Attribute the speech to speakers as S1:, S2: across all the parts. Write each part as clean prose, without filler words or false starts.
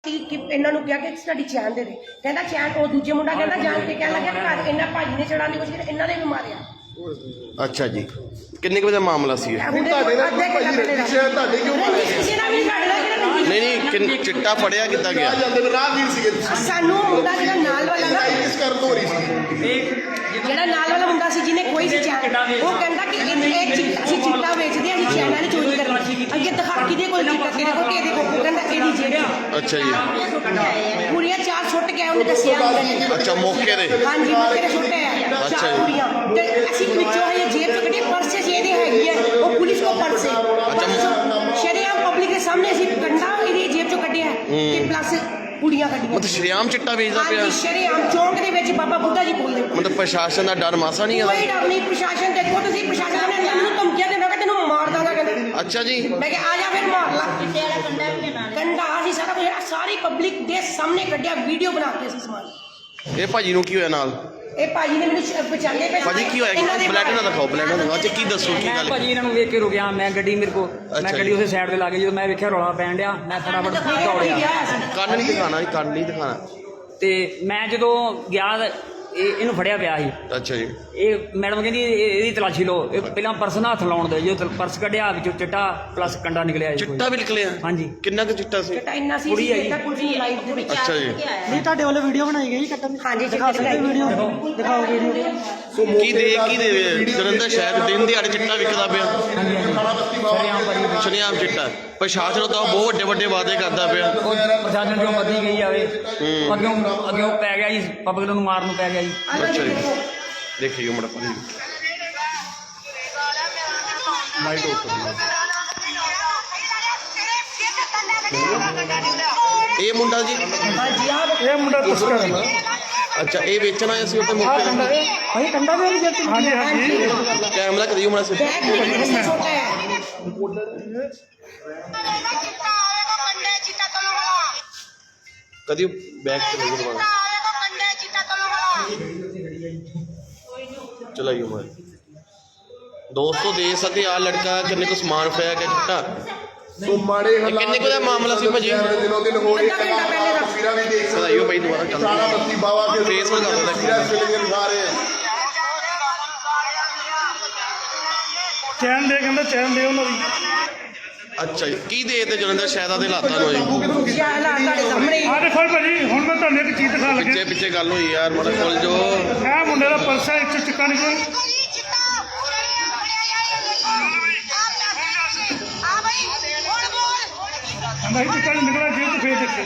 S1: ਇਹਨਾਂ ਨੂੰ ਕਿਹਾ ਕਿ ਸਾਡੀ ਚੈਨ ਦੇ ਦੇ, ਕਹਿੰਦਾ ਚੈਨ। ਉਹ ਦੂਜੇ ਮੁੰਡਾ ਕਹਿੰਦਾ ਜਾਣ ਕੇ ਕਹਿਣ ਲੱਗਿਆ ਘਰ ਇਹਨਾਂ ਭਾਜੀ ਨੇ ਚੜਾਉਣ ਦੀ ਕੋਸ਼ਿਸ਼ ਕੀਤੀ, ਇਹਨਾਂ ਨੇ ਵੀ ਮਾਰਿਆ।
S2: ਅੱਛਾ ਜੀ, ਕਿੰਨੇ ਕੁ ਵਜੇ ਦਾ ਮਾਮਲਾ ਸੀ ਇਹ? ਨਹੀਂ ਚਿੱਟਾ ਫੜਿਆ ਕਿੱਦਾਂ ਗਿਆ?
S1: ਸਾਨੂੰ ਮੁੰਡਾ ਜਿਹੜਾ ਨਾਲ ਵਾਲਾ ਨਾ, ਜਿਹੜਾ ਨਾਲ ਵਾਲਾ ਮੁੰਡਾ ਸੀ ਜਿਹਨੇ ਕੋਈ ਸੀ ਚੈਨ, ਉਹ ਕਹਿੰਦਾ ਕਿ ਅਸੀਂ ਚਿੱਟਾ ਵੇਚਦੇ, ਅਸੀਂ ਚੈਨਾਂ ਦੀ ਚੋਰੀ ਕਰਨੀ। ਅੱਗੇ ਦਿਖਾ ਕਿਹਦੇ ਕੋਲ ਚਿੱਟਾ, ਕਿਹਦੇ ਕੋਲ, ਕਿਹਦੇ ਕੋਲ, ਉਹ ਕਹਿੰਦਾ ਇਹਦੀ ਜੇਬ।
S2: ਅੱਛਾ ਜੀ,
S1: ਪੂਰੀਆਂ 4 ਸੁੱਟ ਕੇ ਉਹਨੇ ਦੱਸਿਆ।
S2: ਅੱਛਾ, ਮੌਕੇ ਦੇ?
S1: ਹਾਂਜੀ, ਮੌਕੇ ਦੇ ਸੁੱਟੇ ਆ 4 ਕੁੜੀਆਂ। ਤੇ ਅਸੀਂ ਵਿੱਚੋਂ ਇਹ ਜੇਬ ਚ ਕੱਢੇ ਪਰਸ ਸੀ ਇਹਦੇ ਹੈਗੀ ਹੈ, ਉਹ ਪੁਲਿਸ ਕੋ ਪਰਸ ਹੈ। ਸ਼ਰੇਆਮ ਪਬਲਿਕ ਦੇ ਸਾਹਮਣੇ ਅਸੀਂ ਕੰਡਾ ਇਹਦੀ ਜੇਬ ਚੋਂ ਕੱਢਿਆ ਤੇ ਪਲੱਸ ਕੁੜੀਆਂ ਕੱਢੀਆਂ।
S2: ਮਤਲਬ ਸ਼ਰੇਆਮ ਚਿੱਟਾ ਵੇਚਦਾ ਪਿਆ?
S1: ਹਾਂਜੀ, ਸ਼ਰੇਆਮ ਚੌਂਕ ਦੇ ਵਿੱਚ ਬਾਬਾ ਬੁੱਢਾ ਜੀ ਕੋਲ।
S2: ਮਤਲਬ ਪ੍ਰਸ਼ਾਸਨ ਦਾ ਡਰ ਮਾਸਾ ਨਹੀਂ ਆਦਾ?
S1: ਕੋਈ ਡਰ ਨਹੀਂ। ਪ੍ਰਸ਼ਾਸਨ ਦੇਖੋ ਤੁਸੀਂ, ਪ੍ਰਸ਼ਾਸਨ ਨੇ ਮੈਨੂੰ ਧਮਕੀਆਂ ਦਿੰਦਾ ਕਿ ਤੈਨੂੰ ਮਾਰ ਦਾਂਗਾ ਕਹਿੰਦਾ।
S2: ਅੱਛਾ ਜੀ,
S1: ਮੈਂ ਕਿਹਾ ਆ ਜਾ ਫਿਰ ਮਾਰ ਲਾ। ਕੰਡਾ ਅਸੀਂ ਸਾਰਾ ਕੁਝ ਸਾਰੀ ਪਬਲਿਕ ਦੇ ਸਾਹਮਣੇ ਕੱਢਿਆ, ਵੀਡੀਓ ਬਣਾ ਕੇ ਅਸੀਂ ਸਮਾਨ।
S2: ਇਹ ਭਾਜੀ ਨੂੰ ਕੀ ਹੋਇਆ ਨਾਲ?
S1: ਇਹ ਭਾਜੀ ਨੇ ਮੈਨੂੰ ਬਚਾਉਂਦੇ ਪਏ।
S2: ਭਾਜੀ ਕੀ ਹੋਇਆ? ਬਲੈਡ ਨਾ ਦਿਖਾਓ, ਬਲੈਡ ਨਾ ਦਿਖਾਓ। ਅੱਛਾ, ਕੀ ਦੱਸੋ ਕੀ ਗੱਲ?
S3: ਭਾਜੀ ਇਹਨਾਂ ਨੂੰ ਵੇਖ ਕੇ ਰੁਕਿਆ ਮੈਂ, ਗੱਡੀ ਮੇਰੇ ਕੋਲ, ਮੈਂ ਗੱਡੀ ਉਸੇ ਸਾਈਡ ਤੇ ਲਾ ਕੇ ਜਦੋਂ ਮੈਂ ਵੇਖਿਆ ਰੌਲਾ ਪੈਣ ਡਿਆ, ਮੈਂ ਫਟਾਫਟ ਦੌੜਿਆ।
S2: ਕੰਨ ਨਹੀਂ ਦਿਖਾਣਾ, ਕੰਨ ਨਹੀਂ ਦਿਖਾਣਾ।
S3: ਤੇ ਮੈਂ ਜਦੋਂ ਗਿਆ ਇਹਨੂੰ ਫੜਿਆ ਪਿਆ ਸੀ।
S2: ਅੱਛਾ ਜੀ,
S3: ਇਹ ਮੈਡਮ ਕਹਿੰਦੀ ਇਹਦੀ ਤਲਾਸ਼ੀ ਲਓ। ਇਹ ਪਹਿਲਾਂ ਪਰਸ ਨਾਲ ਹੱਥ ਲਾਉਣ ਦੇ, ਜੋ ਪਰਸ ਕੱਢਿਆ ਵਿੱਚੋਂ ਚਿੱਟਾ ਪਲੱਸ ਕੰਡਾ ਨਿਕਲਿਆ।
S2: ਚਿੱਟਾ ਵੀ ਨਿਕਲਿਆ?
S3: ਹਾਂਜੀ।
S2: ਕਿੰਨਾ ਕੁ ਚਿੱਟਾ ਸੀ?
S1: ਚਿੱਟਾ ਇੰਨਾ ਸੀ
S3: ਕੁੜੀ ਆਈ।
S1: ਕੁੜੀ ਲਾਈਵ ਦੇ ਵਿੱਚ।
S2: ਅੱਛਾ ਜੀ,
S4: ਨਹੀਂ ਤੁਹਾਡੇ ਵੱਲੋਂ ਵੀਡੀਓ ਬਣਾਈ ਗਈ ਕੱਟਣ ਦੀ?
S1: ਹਾਂਜੀ,
S4: ਦਿਖਾ ਸਕਦੇ ਵੀਡੀਓ? ਦਿਖਾਓ ਵੀਡੀਓ।
S2: ਕੀ ਦੇ ਜਲੰਧਰ ਸ਼ਹਿਰ ਦਿਨ ਦਿਹਾੜੇ ਚਿੱਟਾ ਵਿਕਦਾ ਪਿਆ?
S3: ਹਾਂਜੀ ਹਾਂਜੀ,
S2: ਸ਼ਰੇਆਮ ਚਿੱਟਾ। ਪ੍ਰਸ਼ਾਸਨ ਤਾਂ ਬਹੁਤ ਵੱਡੇ ਵਾਅਦੇ ਕਰਦਾ ਪਿਆ।
S3: ਉਹ ਪ੍ਰਸ਼ਾਸਨ ਜੋ ਮੱਦੀ ਗਈ ਜਾਵੇ, ਅੱਗੇ ਉਹ ਪੈ ਗਿਆ ਜੀ, ਪਬਲਿਕ ਨੂੰ ਮਾਰਨ ਨੂੰ ਪੈ ਗਿਆ ਜੀ।
S2: ਅੱਛਾ ਜੀ, ਦੇਖੀਓ ਮੜਾ ਪਾਣੀ ਲਾਈਟ ਆਫ ਕਰ। ਇਹ ਮੁੰਡਾ ਜੀ?
S1: ਹਾਂਜੀ,
S4: ਇਹ ਮੁੰਡਾ ਤਸਕਰ ਹੈ।
S2: ਅੱਛਾ, ਇਹ ਵੇਚਣ ਆਇਆ ਸੀ ਉੱਥੇ ਮੌਕੇ ਤੇ?
S4: ਭਾਈ ਕੰਡਾ ਵੀ ਨਹੀਂ ਜੱਤੀ। ਹਾਂਜੀ ਹਾਂਜੀ,
S2: ਕੈਮਰਾ ਕਰਿਓ ਮੜਾ ਸੇ।
S1: ਬੈਗ ਨਹੀਂ ਕਿਸੇ ਛੋਟਾ ਹੈ।
S2: ਕਦੀ ਬੈਕ ਤੇ ਲੱਗੋ ਦੁਬਾਰਾ ਚਲਾइयो मार। दोस्तों देख सकते आ लड़का किन्ने को समान फड़िया गया चिट्टा।
S5: सो माड़े
S2: किन्ने को मामला सी भाजी?
S5: दिनों दिन हो रही है। तस्वीरें भी देख सकते
S2: चलाइयो भाई दोबारा चल।
S5: सारा बस्ती बाबा के
S2: फेस में कर दो
S5: तस्वीरें दिखा रहे हैं।
S4: ਚੈਨ ਦੇ ਕਹਿੰਦਾ, ਚੈਨ ਦੇ ਉਹਨਾਂ ਦੀ।
S2: अच्छा जी, की दे ते जलंधर शहर दे हालातां नु जी?
S1: ਹਾਲਾਤ ਤੁਹਾਡੇ ਸਾਹਮਣੇ ਹੀ।
S4: ਆ ਦੇਖੋ ਭਾਜੀ, ਹੁਣ ਮੈਂ ਤੁਹਾਨੂੰ ਇੱਕ ਚੀਜ਼ ਦਿਖਾ ਲੱਗੇ।
S2: पिछे पिछे गल हुई यार, मड़ा खोल जो।
S4: ਇਹ ਮੁੰਡੇ ਦਾ ਪਰਸ ਹੈ, ਇੱਥੇ ਚਿੱਟਾ ਨਿਕਲਿਆ। ਕਹਿੰਦਾ ਇਹ ਚਿੱਟਾ ਨਿਕਲਿਆ ਜੇਬ ਚ, ਫੇਰ ਦੇਖੇ।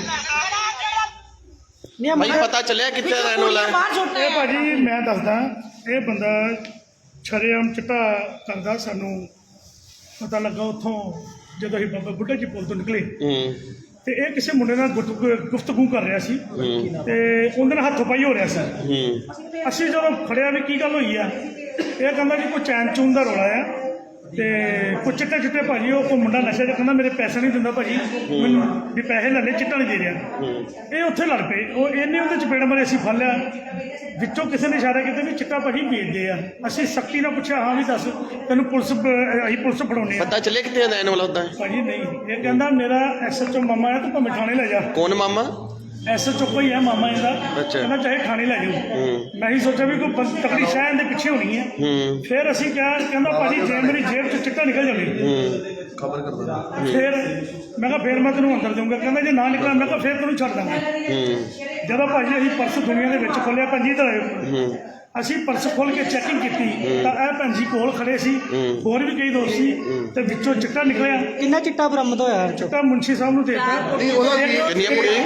S4: ਨਹੀਂ
S2: भाई पता चलिया कितने रहने वाला है?
S1: ਬਾਹਰ ਛੋਟਾ
S4: ਇਹ
S1: ਹੈ।
S4: ਭਾਜੀ ਮੈਂ ਦੱਸਦਾ, ਇਹ ਬੰਦਾ ਸ਼ਰੇਆਮ ਚਿੱਟਾ ਕਰਦਾ। ਸਾਨੂੰ ਪਤਾ ਲੱਗਾ ਉੱਥੋਂ ਜਦੋਂ ਅਸੀਂ ਬਾਬਾ ਬੁੱਢਾ ਜੀ ਪੁੱਲ ਤੋਂ ਨਿਕਲੇ, ਤੇ ਇਹ ਕਿਸੇ ਮੁੰਡੇ ਨਾਲ ਗੁਫ਼ਤਗੂ ਕਰ ਰਿਹਾ ਸੀ ਤੇ ਉਹਦੇ ਨਾਲ ਹੱਥੋਂ ਪਾਈ ਹੋ ਰਿਹਾ ਸੀ। ਅਸੀਂ ਜਦੋਂ ਖੜਿਆ ਵੀ ਕੀ ਗੱਲ ਹੋਈ ਆ, ਇਹ ਕਹਿੰਦਾ ਕਿ ਕੋਈ ਚੈਨ ਚੂਨ ਦਾ ਰੌਲਾ ਆ ਤੇ ਕੋਈ ਚਿੱਟੇ ਭਾਜੀ। ਉਹ ਕੋਈ ਮੁੰਡਾ ਨਸ਼ਾ ਜਿਹਾ ਕਹਿੰਦਾ ਮੇਰੇ ਪੈਸੇ ਨਹੀਂ ਦਿੰਦਾ ਭਾਜੀ, ਮੈਨੂੰ ਵੀ ਪੈਸੇ ਲੈ ਲੈ, ਚਿੱਟਾ ਨਹੀਂ ਦੇ ਰਿਹਾ। ਇਹ ਉੱਥੇ ਲੜ ਪਏ। ਉਹ ਇਹਨੇ ਉਹਦੇ ਚਪੇੜ ਮਾਰੇ, ਅਸੀਂ ਫੜ ਲਿਆ। ਵਿੱਚੋਂ ਕਿਸੇ ਨੇ ਇਸ਼ਾਰਾ ਕੀਤਾ ਵੀ ਚਿੱਟਾ ਭਾਜੀ ਵੇਚਦੇ ਆ। ਅਸੀਂ ਸਖਤੀ ਨਾਲ ਪੁੱਛਿਆ, ਹਾਂ ਵੀ ਦੱਸ ਤੈਨੂੰ ਅਸੀਂ ਪੁਲਿਸ ਫੜਾਉਣੇ ਆ।
S2: पता चलिया कितने रहने वाला होता है?
S4: ਭਾਜੀ ਨਹੀਂ, ਇਹ ਕਹਿੰਦਾ ਮੇਰਾ ਐਸਐਚਓ ਮਾਮਾ ਹੈ, ਤੂੰ ਭਾਵੇਂ ਥਾਣੇ ਲੈ ਜਾ।
S2: कौन मामा?
S4: ਐਸਐਚਓ ਕੋਈ ਹੈ ਮਾਮਾ ਇਹਦਾ।
S2: ਅੱਛਾ।
S4: ਕਹਿੰਦਾ ਚਾਹੇ ਥਾਣੇ ਲੈ ਜਾਓ। ਮੈਂ ਹੀ ਸੋਚਿਆ ਵੀ ਕੋਈ ਤਕੜੀ ਸ਼ਾਹ ਇਹਦੇ ਪਿੱਛੇ ਹੋਣੀ ਹੈ। ਫਿਰ ਅਸੀਂ ਕਿਹਾ, ਕਹਿੰਦਾ ਭਾਜੀ ਜੇ ਮੇਰੀ ਜੇਬ ਚ ਚਿੱਟਾ ਨਿਕਲ ਜਾਵੇ
S2: खबर कर दो।
S4: ਫਿਰ ਮੈਂ ਕਿਹਾ ਫਿਰ ਮੈਂ ਤੈਨੂੰ ਅੰਦਰ ਦਊਂਗਾ। ਕਹਿੰਦਾ ਜੇ ਨਾ ਨਿਕਲਿਆ, ਮੈਂ ਕਿਹਾ ਫਿਰ ਤੈਨੂੰ ਛੱਡ ਦਾਂਗਾ। ਜਦੋਂ ਭਾਜੀ ਅਸੀਂ ਪਰਸ ਦੁਨੀਆ ਦੇ ਵਿੱਚ ਖੋਲਿਆ, ਪੰਜੀ ਤਾਂ ਅਸੀਂ ਪਰਸ ਖੋਲ ਕੇ ਚੈਕਿੰਗ ਕੀਤੀ ਤਾਂ ਇਹ ਭੈਣ ਜੀ ਕੋਲ ਖੜੇ ਸੀ, ਹੋਰ ਵੀ ਕਈ ਦੋਸਤ ਸੀ, ਤੇ ਵਿੱਚੋਂ ਚਿੱਟਾ ਨਿਕਲਿਆ।
S6: ਕਿੰਨਾ ਚਿੱਟਾ ਬਰਾਮਦ ਹੋਇਆ?
S4: ਚਿੱਟਾ ਮੁੰਸ਼ੀ ਸਾਹਿਬ ਨੂੰ ਦੇ ਦਿੱਤਾ।
S2: कितनी कुड़ियां?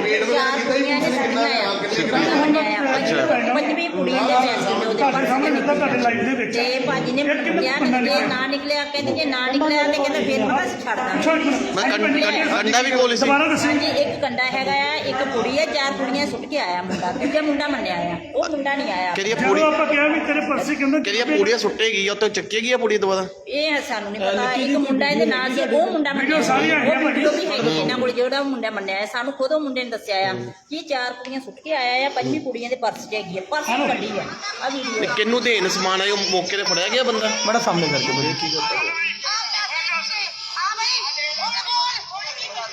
S7: ਪੰਜਵੀਂ ਕੁੜੀਆਂ ਦੇ ਪੈਸੇ ਨੇ ਉਹਦੇ
S4: ਤੁਹਾਡੇ ਸਾਹਮਣੇ ਦਿੱਤਾ, ਤੁਹਾਡੇ
S7: ਪਰਸ
S4: ਲਾਈਵ ਦੇ ਵਿੱਚ।
S7: ਤੇ ਭਾਜੀ ਨੇ ਕਿਹਾ ਕਿ ਜੇ ਨਾ ਨਿਕਲਿਆ, ਕਹਿੰਦੇ ਜੇ ਨਾ ਨਿਕਲਿਆ ਤੇ ਕਹਿੰਦਾ ਫਿਰ ਮੈਂ ਬਸ ਛੱਡ ਦਾਂਗਾ।
S2: कंडा भी कोल
S4: ਦੁਬਾਰਾ ਦੱਸੀ।
S7: ਹਾਂਜੀ, ਇੱਕ ਕੰਡਾ ਹੈਗਾ ਆ, ਇੱਕ ਕੁੜੀ ਹੈ, 4 ਕੁੜੀਆਂ ਸੁੱਟ ਕੇ ਆਇਆ ਮੁੰਡਾ। ਕਿਉਂਕਿ ਮੁੰਡਾ ਮੰਨਿਆ ਆ, ਉਹ ਮੁੰਡਾ ਨਹੀਂ ਆਇਆ।
S2: केरिया
S4: ਜਦੋਂ
S2: पूरी
S4: ਆਪਾਂ ਕਿਹਾ ਵੀ ਤੇਰੇ ਪਰਸ ਹੀ, ਕਹਿੰਦਾ
S2: केरिया पूड़ियां सुट्टेगी या तो चक्केगी या पूड़ी दोबारा?
S7: ਇਹ ਸਾਨੂੰ ਨਹੀਂ ਪਤਾ। ਇੱਕ ਮੁੰਡਾ ਇਹਦੇ ਨਾਲ ਸੀ, ਉਹ ਮੁੰਡਾ ਮੰਨਿਆ। ਉਹ ਵੀਡੀਓ ਵੀ ਹੈਗੀ ਇਹਨਾਂ ਕੋਲ, ਜਿਹੜਾ ਮੁੰਡਾ ਮੰਨਿਆ। ਸਾਨੂੰ ਖੁਦ ਉਹ ਮੁੰਡੇ ਨੇ ਦੱਸਿਆ ਆ ਕਿ 4 ਕੁੜੀਆਂ ਸੁੱਟ ਕੇ ਆਇਆ ਆ, 5ਵੀਂ ਕੁੜੀਆਂ ਦੇ ਪਰਸ 'ਚ ਹੈਗੀ ਆ, ਪਰਸ ਕੱਢੀ ਆ। ਆ ਵੀਡੀਓ
S2: किन्नू देन समान आयो मौके ते फड़या गया बंदा?
S3: ਬੜਾ ਸਾਹਮਣੇ ਕਰਕੇ ਬੜੀ ਕੀ ਕਰਦਾ।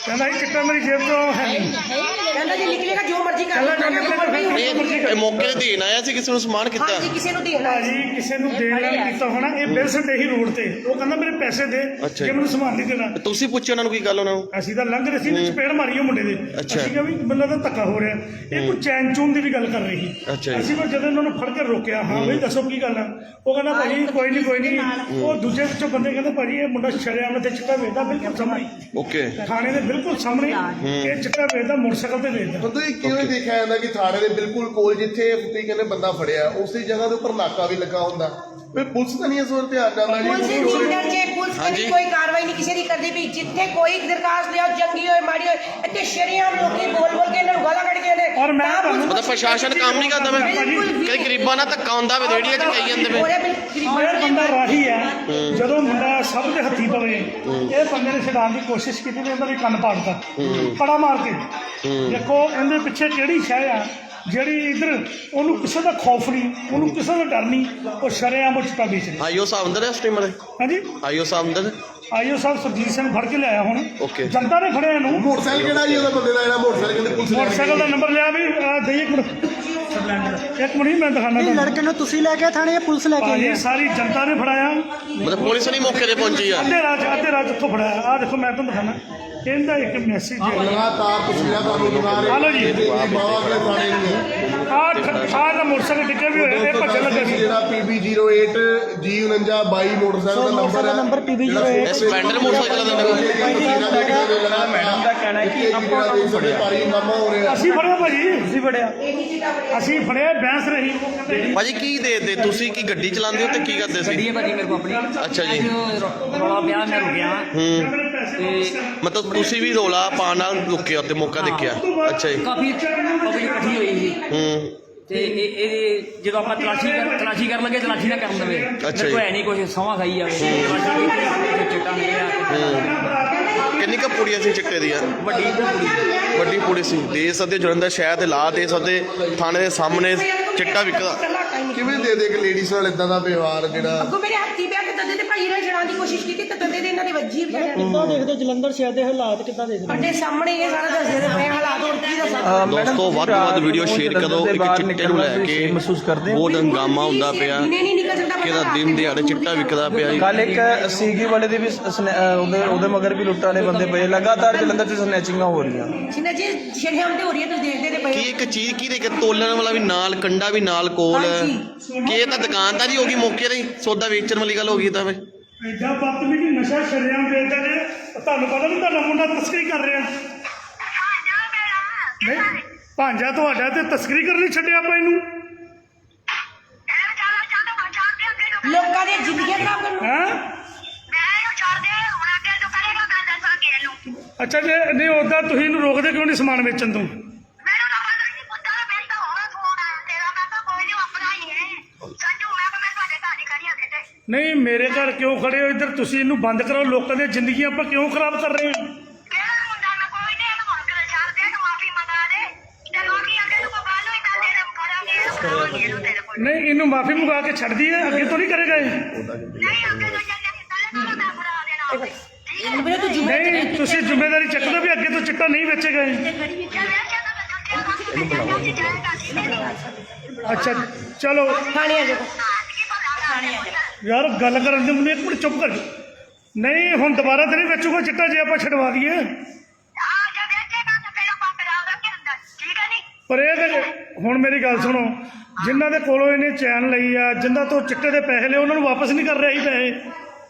S4: ਕਹਿੰਦਾ ਜੀ ਚਿੱਟਾ ਮੇਰੀ ਜੇਬ ਤੋਂ ਹੈ ਨਹੀਂ।
S1: ਕਹਿੰਦਾ ਜੇ ਨਿਕਲੇਗਾ ਜੋ ਮਰਜ਼ੀ ਕਰ
S4: ਕਹਿੰਦਾ
S1: ਲਓ।
S4: ਜੋ ਨਿਕਲੇਗਾ ਫਿਰ ਜੋ ਮਰਜ਼ੀ ਕਰ
S2: ਇਹ ਮੌਕੇ ਤੇ ਦੇਣ ਆਇਆ ਸੀ ਕਿਸੇ ਨੂੰ ਸਮਾਨ ਕੀਤਾ
S1: ਹਾਂਜੀ ਕਿਸੇ ਨੂੰ ਦੇਣਾ
S4: ਭਾਜੀ ਕਿਸੇ ਨੂੰ ਦੇਣ ਨਾਲ ਕੀਤਾ ਹੋਣਾ। ਇਹ ਬਿਲਸਟ ਇਹੀ ਰੋਡ ਤੇ ਉਹ ਕਹਿੰਦਾ ਮੇਰੇ ਪੈਸੇ ਦੇ
S2: ਅੱਛਾ
S4: ਜੇ ਮੈਨੂੰ ਸਮਾਨ ਨਹੀਂ ਦੇਣਾ।
S2: ਤੁਸੀਂ ਪੁੱਛਿਆ ਉਹਨਾਂ ਨੂੰ ਕੀ ਗੱਲ ਉਹਨਾਂ ਨੂੰ?
S4: ਅਸੀਂ ਤਾਂ ਲੰਘ ਰਹੇ ਸੀ ਤੇ ਚਪੇੜ ਮਾਰੀ ਉਹ ਮੁੰਡੇ ਦੇ।
S2: ਅੱਛਾ।
S4: ਅਸੀਂ ਕਿਹਾ ਵੀ ਬੰਦਾ ਤਾਂ ਧੱਕਾ ਹੋ ਰਿਹਾ। ਇਹ ਕੋਈ ਚੈਨ ਚੂਨ ਦੀ ਵੀ ਗੱਲ ਕਰ ਰਹੀ ਸੀ।
S2: ਅੱਛਾ ਜੀ।
S4: ਅਸੀਂ ਫਿਰ ਜਦੋਂ ਇਹਨਾਂ ਨੂੰ ਫੜ ਕੇ ਰੋਕਿਆ ਹਾਂ ਬਈ ਦੱਸੋ ਕੀ ਗੱਲ ਆ, ਉਹ ਕਹਿੰਦਾ ਭਾਜੀ ਕੋਈ ਨਹੀਂ। ਉਹ ਦੂਜੇ ਵਿੱਚੋਂ ਬੰਦੇ ਕਹਿੰਦੇ ਭਾਜੀ ਇਹ ਮੁੰਡਾ ਸ਼ਰੇਆਮ ਤੇ ਚਿੱਟਾ ਵੇਚਦਾ ਬਿਲਕੁਲ ਸਾਹਮਣੇ
S2: ਓਕੇ
S4: ਥਾਣੇ ਦੇ ਬਿਲਕੁਲ ਸਾਹਮਣੇ ਇਹ ਚਿੱਟਾ ਵੇਚਦਾ ਮੋਟਰਸਾਈਕਲ ਤੇ ਵੇਚਦਾ।
S5: ਪਤਾ ਹੀ ਕਿਵੇਂ ਦੇਖਿਆ ਜਾਂਦਾ ਕਿ ਥਾਣੇ ਦੇ ਬਿਲਕੁਲ ਕੋਲ ਜਿੱਥੇ ਤੁਸੀਂ ਕਹਿੰਦੇ ਬੰਦਾ ਫੜਿਆ ਉਸੇ ਜਗ੍ਹਾ ਦੇ ਉੱਪਰ ਨਾਕਾ ਵੀ ਲੱਗਾ ਹੁੰਦਾ। ਫਿਰ ਪੁਲਿਸ ਤਾਂ ਨਹੀਂ ਇਸ ਵੱਲ ਧਿਆਨ ਜਾਂਦਾ
S1: ਪੁਲਿਸ
S5: ਜੀ।
S1: ਦੀ ਨੀਂਦਰ ਜੇ ਪੁਲਿਸ
S2: ਹਾਂਜੀ।
S1: ਕਦੀ ਕੋਈ ਕਾਰਵਾਈ ਨਹੀਂ ਕਿਸੇ ਦੀ ਕਰਦੀ ਵੀ ਜਿੱਥੇ ਕੋਈ ਦਰਖਾਸਤ ਲਿਆਓ ਜੰਗੀ ਹੋਏ ਮਾੜੀ ਹੋਏ ਇੱਥੇ ਸ਼ਰੇਆਮ ਲੋਕੀ ਬੋਲ ਕੇ ਇਹਨਾਂ ਨੂੰ ਗਾਲਾਂ ਕੱਢ ਕੇ ਨੇ
S4: ਔਰ ਮੈਂ ਤੁਹਾਨੂੰ-
S2: ਮਤਲਬ ਪ੍ਰਸ਼ਾਸਨ ਕੰਮ ਨਹੀਂ ਕਰਦਾ ਵੇ ਕਈ ਗਰੀਬਾਂ ਨਾਲ ਧੱਕਾ ਹੁੰਦਾ ਵੇ ਰੇੜੀਆਂ 'ਚ ਕਹੀ ਜਾਂਦੇ ਵੇ
S4: ਇਹ ਬੰਦਾ ਰਾਹੀ ਹੈ। ਜਦੋਂ ਮੁੰਡਾ ਸਭ ਦੇ ਹੱਥੀ ਪਵੇ ਇਹ ਬੰਦੇ ਨੇ ਛਡਾਉਣ ਦੀ ਕੋਸ਼ਿਸ਼ ਕੀਤੀ ਤੇ ਇਹਦਾ ਵੀ ਕੰਨ ਪਾੜਦਾ ਕੜਾ ਮਾਰ ਕੇ। ਦੇਖੋ ਇਹਦੇ ਪਿੱਛੇ ਕਿਹੜੀ ਸ਼ੈ ਆ ਜਿਹੜੀ ਇਧਰ ਉਹਨੂੰ ਕਿਸੇ ਦਾ ਖੌਫ ਨਹੀਂ, ਉਹਨੂੰ ਕਿਸੇ ਦਾ ਡਰ ਨਹੀਂ, ਉਹ ਸ਼ਰੇਆਮ ਚਿੱਟਾ ਵੇਚ ਰਿਹਾ।
S2: ਆਈਓ ਸਾਹਿਬ ਅੰਦਰ ਹੈ ਸਟ੍ਰੀਮਰ
S4: ਹਾਂਜੀ
S2: ਆਈਓ ਸਾਹਿਬ ਅੰਦਰ
S4: ਆਈਓ ਸਾਹਿਬ ਸਰਜੀਤ ਸਿੰਘ ਫੜ ਕੇ ਲਿਆਇਆ ਹੁਣ।
S2: Okay।
S4: ਜਨਤਾ ਨੇ ਫੜਿਆ ਇਹਨੂੰ।
S5: ਮੋਟਰਸਾਈਕਲ ਕਿਹੜਾ ਜੀ ਉਹਦਾ ਬੰਦੇ ਦਾ ਜਿਹੜਾ ਮੋਟਰਸਾਈਕਲ ਕਹਿੰਦੇ ਪੁਲਿਸ ਲੈ ਕੇ
S4: ਮੋਟਰਸਾਈਕਲ ਦਾ ਨੰਬਰ ਲਿਆ ਵੀ ਦੇਈਏ ਇੱਕ ਮਿੰਟ ਇੱਕ ਮਿੰਟ ਮੈਂ ਦਿਖਾਣਾ ਤੁਹਾਨੂੰ।
S6: ਲੜਕੇ ਨੂੰ ਤੁਸੀਂ ਲੈ ਕੇ ਥਾਣੇ ਪੁਲਿਸ ਲੈ ਕੇ ਆਈ
S4: ਭਾਜੀ
S6: ਹੈ?
S4: ਸਾਰੀ ਜਨਤਾ ਨੇ ਫੜਾਇਆ।
S2: ਮਤਲਬ ਪੁਲਿਸ ਨਹੀਂ ਮੌਕੇ ਤੇ ਪਹੁੰਚੀ ਆ
S4: ਅੱਧੇ ਰਾਜ ਉੱਥੋਂ ਫੜਾਇਆ। ਆਹ ਦੇਖੋ ਮੈਂ ਤੁਹਾਨੂੰ ਦਿਖਾਣਾ ਇਹਦਾ ਇੱਕ ਮੈਸੇਜ ਹੈ।
S5: ਲਗਾਤਾਰ ਤਸਵੀਰਾਂ ਤੁਹਾਨੂੰ ਦਿਖਾ ਰਹੇ
S4: ਆ ਲਓ ਜੀ।
S5: ਬਾਵਾ ਕੇ ਥਾਣੇ ਦੀਆਂ
S4: ਆਹ ਦਾ ਮੋਟਰਸਾਈਕਲ ਡਿੱਗੇ ਵੀ ਹੋਏ ਇਹ ਭੱਜਣ ਲੱਗੇ ਸੀ।
S5: ਜਿਹੜਾ PB08 G4922 ਮੋਟਰਸਾਈਕਲ ਦਾ ਨੰਬਰ ਹੈ
S6: ਨੰਬਰ PB08
S2: ਇਹ ਸਪਲੈਂਡਰ ਮੋਟਰਸਾਈਕਲ ਦਾ
S5: ਮੈਡਮ ਦਾ ਕਹਿਣਾ ਹੈ ਕਿ ਆਪਾਂ ਨੂੰ ਫੜਿਆ ਭਾਰੀ ਮਾਮਾ ਹੋ ਰਿਹਾ।
S4: ਅਸੀਂ ਫੜਿਆ ਭਾਜੀ ਅਸੀਂ ਫੜਿਆ ਬੈਂਸ ਰਹੀ।
S2: ਭਾਜੀ ਕੀ ਦੇ ਤੁਸੀਂ ਕੀ ਗੱਡੀ ਚਲਾਉਂਦੇ ਹੋ ਤੇ ਕੀ ਕਰਦੇ
S3: ਗੱਡੀ
S2: ਸੀ?
S3: ਹੈ ਭਾਜੀ ਮੇਰੇ ਕੋਲ ਆਪਣੀ।
S2: ਅੱਛਾ ਜੀ।
S3: ਅੱਜ ਰੌਲਾ ਪਿਆ ਮੈਂ ਰੁਕਿਆ ਤੇ
S2: ਮਤਲਬ ਤੁਸੀਂ ਵੀ ਰੋਲਾ ਪਾਉਣ ਨਾਲ ਰੁਕੇ ਉੱਤੇ ਮੌਕਾ ਦੇਖਿਆ? ਅੱਛਾ ਜੀ।
S3: ਕਾਫੀ ਪਬਲਿਕ ਇਕੱਠੀ ਹੋਈ ਸੀ ਤੇ ਇਹ ਜਦੋਂ ਆਪਾਂ ਤਲਾਸ਼ੀ ਕਰਨ ਲੱਗੇ ਤਲਾਸ਼ੀ ਨਾ ਕਰਨ ਦੇਵੇ।
S2: ਅੱਛਾ
S3: ਦੇਖੋ
S2: ਜੀ।
S3: ਹੈ ਨਹੀਂ ਕੁਝ ਸਮਾਂ ਖਾਈ ਜਾਵੇ ਤਲਾਸ਼ੀ ਕੀਤੀ ਚਿੱਟਾ ਮਿਲਿਆ।
S2: ਕਿੰਨੀ ਕੁ ਪੁੜੀਆਂ ਸੀ ਚਿੱਟੇ ਦੀਆਂ?
S3: ਵੱਡੀ ਕੁੜੀ
S2: ਵੱਡੀ ਪੁੜੀ ਸੀ। ਦੇ ਸਕਦੇ ਜਲੰਧਰ ਸ਼ਹਿਰ ਦੇ ਲਾ ਦੇ ਸਕਦੇ ਥਾਣੇ ਦੇ ਸਾਹਮਣੇ ਚਿੱਟਾ ਵਿਕਦਾ।
S5: ਕਿਵੇਂ ਦੇ ਕਿ ਲੇਡੀਜ਼ ਨਾਲ ਇਦਾਂ ਦਾ ਵਿਵਹਾਰ ਜਿਹੜਾ
S1: ਅੱਗੋਂ ਮੇਰੇ ਹੱਥੀ ਪਿਆ ਕਿ ਤਦੇ ਤੇ ਭਾਈ ਨੇ ਛਡਾਉਣ ਦੀ ਕੋਸ਼ਿਸ਼ ਕੀਤੀ ਤੇ ਤਦੇ ਦੇ ਇਹਨਾਂ ਦੇ ਵੱਜੀ ਵੀ ਹੈ।
S6: ਕਿੱਦਾਂ ਦੇਖਦੇ ਹੋ ਜਲੰਧਰ ਸ਼ਹਿਰ ਦੇ ਹਾਲਾਤ ਕਿੱਦਾਂ ਦੇਖਦੇ ਹੋ?
S1: ਸਾਡੇ ਸਾਹਮਣੇ ਇਹ ਸਾਰਾ ਦੱਸਦੇ ਨੇ ਪਏ ਹਾਲਾਤ ਹੋਰ ਕੀ ਦੱਸਾਂ।
S2: ਦੋਸਤੋ ਵੱਧ ਤੋਂ ਵੱਧ ਵੀਡੀਓ ਸ਼ੇਅਰ ਕਰੋ। ਇੱਕ ਚਿੱਟੇ ਨੂੰ ਲੈ ਕੇ
S8: ਮਹਿਸੂਸ ਕਰਦੇ
S2: ਬਹੁਤ ਹੰਗਾਮਾ ਹੁੰਦਾ ਪਿਆ
S1: ਦਿਨੇ ਨਹੀਂ ਨਿਕਲ ਸਕਦਾ
S2: ਕਿਹਦਾ ਦਿਨ ਦਿਹਾੜੇ ਚਿੱਟਾ ਵਿਕਦਾ ਪਿਆ ਜੀ।
S8: ਕੱਲ ਇੱਕ ਸੀਗੀ ਵਾਲੇ ਦੇ ਵੀ ਉਹਦੇ ਮਗਰ ਵੀ ਲੁੱਟਾਂ ਵਾਲੇ ਬੰਦੇ ਪਏ। ਲਗਾਤਾਰ ਜਲੰਧਰ 'ਚ ਸਨੈਚਿੰਗਾਂ ਹੋ ਰਹੀਆਂ।
S1: ਜਿੰਨਾ ਜੇ ਸ਼ਰੇਆਮ ਤੇ ਹੋ ਰਹੀ ਹੈ ਤੁਸੀਂ ਦੇਖਦੇ ਤੇ
S2: ਕੀ
S1: ਪਏ।
S2: ਇੱਕ ਚੀਜ਼ ਕੀ ਦੇ ਕੇ ਤੋਲਣ ਵਾਲਾ ਵੀ ਨਾਲ ਕੰਡਾ ਵੀ ਨਾਲ ਕੋਲ ਕਿ ਇਹ ਤਾਂ ਦੁਕਾਨਦਾਰੀ ਹੋ ਗਈ ਮੌਕੇ ਤੇ ਸੌਦਾ ਵੇਚਣ ਵਾਲੀ ਗੱਲ ਹੋ ਗਈ ਤਾਂ ਵੇ।
S4: ਐਡਾ ਬਦਤਮੀਜ਼ੀ ਨਸ਼ਾ ਸ਼ਰੇਆਮ ਵੇਚਦਾ ਜੇ ਤੁਹਾਨੂੰ ਪਤਾ ਨਹੀਂ ਤੁਹਾਡਾ ਮੁੰਡਾ ਤਸਕਰੀ ਕਰ ਰਿਹਾ। ਨਹੀਂ ਭਾਂਜਾ ਤੁਹਾਡਾ ਤੇ ਤਸਕਰੀ ਕਰਨੀ ਛੱਡਿਆ ਆਪਾਂ ਇਹਨੂੰ
S1: ਲੋਕਾਂ ਦੀਆਂ ਜ਼ਿੰਦਗੀਆਂ ਖਰਾਬ ਕਰਨ
S4: ਹੈ। ਅੱਛਾ ਜੇ ਨਹੀਂ ਉਦਾਂ ਤੁਸੀਂ ਇਹਨੂੰ ਰੋਕਦੇ ਕਿਉਂ ਨਹੀਂ ਸਮਾਨ ਵੇਚਣ ਤੋਂ? ਨਹੀਂ ਮੇਰੇ ਘਰ ਕਿਉਂ ਖੜੇ ਹੋ ਇੱਧਰ? ਤੁਸੀਂ ਇਹਨੂੰ ਬੰਦ ਕਰੋ। ਲੋਕਾਂ ਦੀਆਂ ਜ਼ਿੰਦਗੀਆਂ ਆਪਾਂ ਕਿਉਂ ਖਰਾਬ ਕਰ ਰਹੇ ਹਾਂ? ਨਹੀਂ ਇਹਨੂੰ ਮਾਫੀ ਮੰਗਾ ਕੇ ਛੱਡ ਦਈਏ। ਅੱਗੇ ਤੋਂ ਨਹੀਂ ਕਰੇਗਾ ਇਹ।
S1: ਵੀਰੇ ਤੂੰ ਜੁਮੇ
S4: ਨਹੀਂ ਤੁਸੀਂ ਜ਼ਿੰਮੇਵਾਰੀ ਚੱਕ ਲਓ ਵੀ ਅੱਗੇ ਤੋਂ ਚਿੱਟਾ ਨਹੀਂ ਵੇਚੇਗਾ ਇਹ। ਅੱਛਾ ਚਲੋ
S1: ਥਾਣੇ ਆ ਜਾਓ।
S4: ਯਾਰ ਗੱਲ ਕਰਨ ਦੇ ਮੈਨੂੰ ਇੱਕ ਮਿੰਟ ਚੁੱਪ ਕਰ। ਨਹੀਂ ਹੁਣ ਦੁਬਾਰਾ ਤੇ ਨਹੀਂ ਵੇਚੂਗਾ ਚਿੱਟਾ ਜੇ ਆਪਾਂ ਛਡਵਾ ਦਈਏ। ਪਰ ਇਹ ਤੇ ਹੁਣ ਮੇਰੀ ਗੱਲ ਸੁਣੋ, ਜਿਨ੍ਹਾਂ ਦੇ ਕੋਲੋਂ ਇਹਨੇ ਚੈਨ ਲਈ ਆ, ਜਿਨ੍ਹਾਂ ਤੋਂ ਚਿੱਟੇ ਦੇ ਪੈਸੇ ਲਏ, ਉਹਨਾਂ ਨੂੰ ਵਾਪਸ ਨਹੀਂ ਕਰ ਰਿਹਾ ਇਹ ਪੈਸੇ।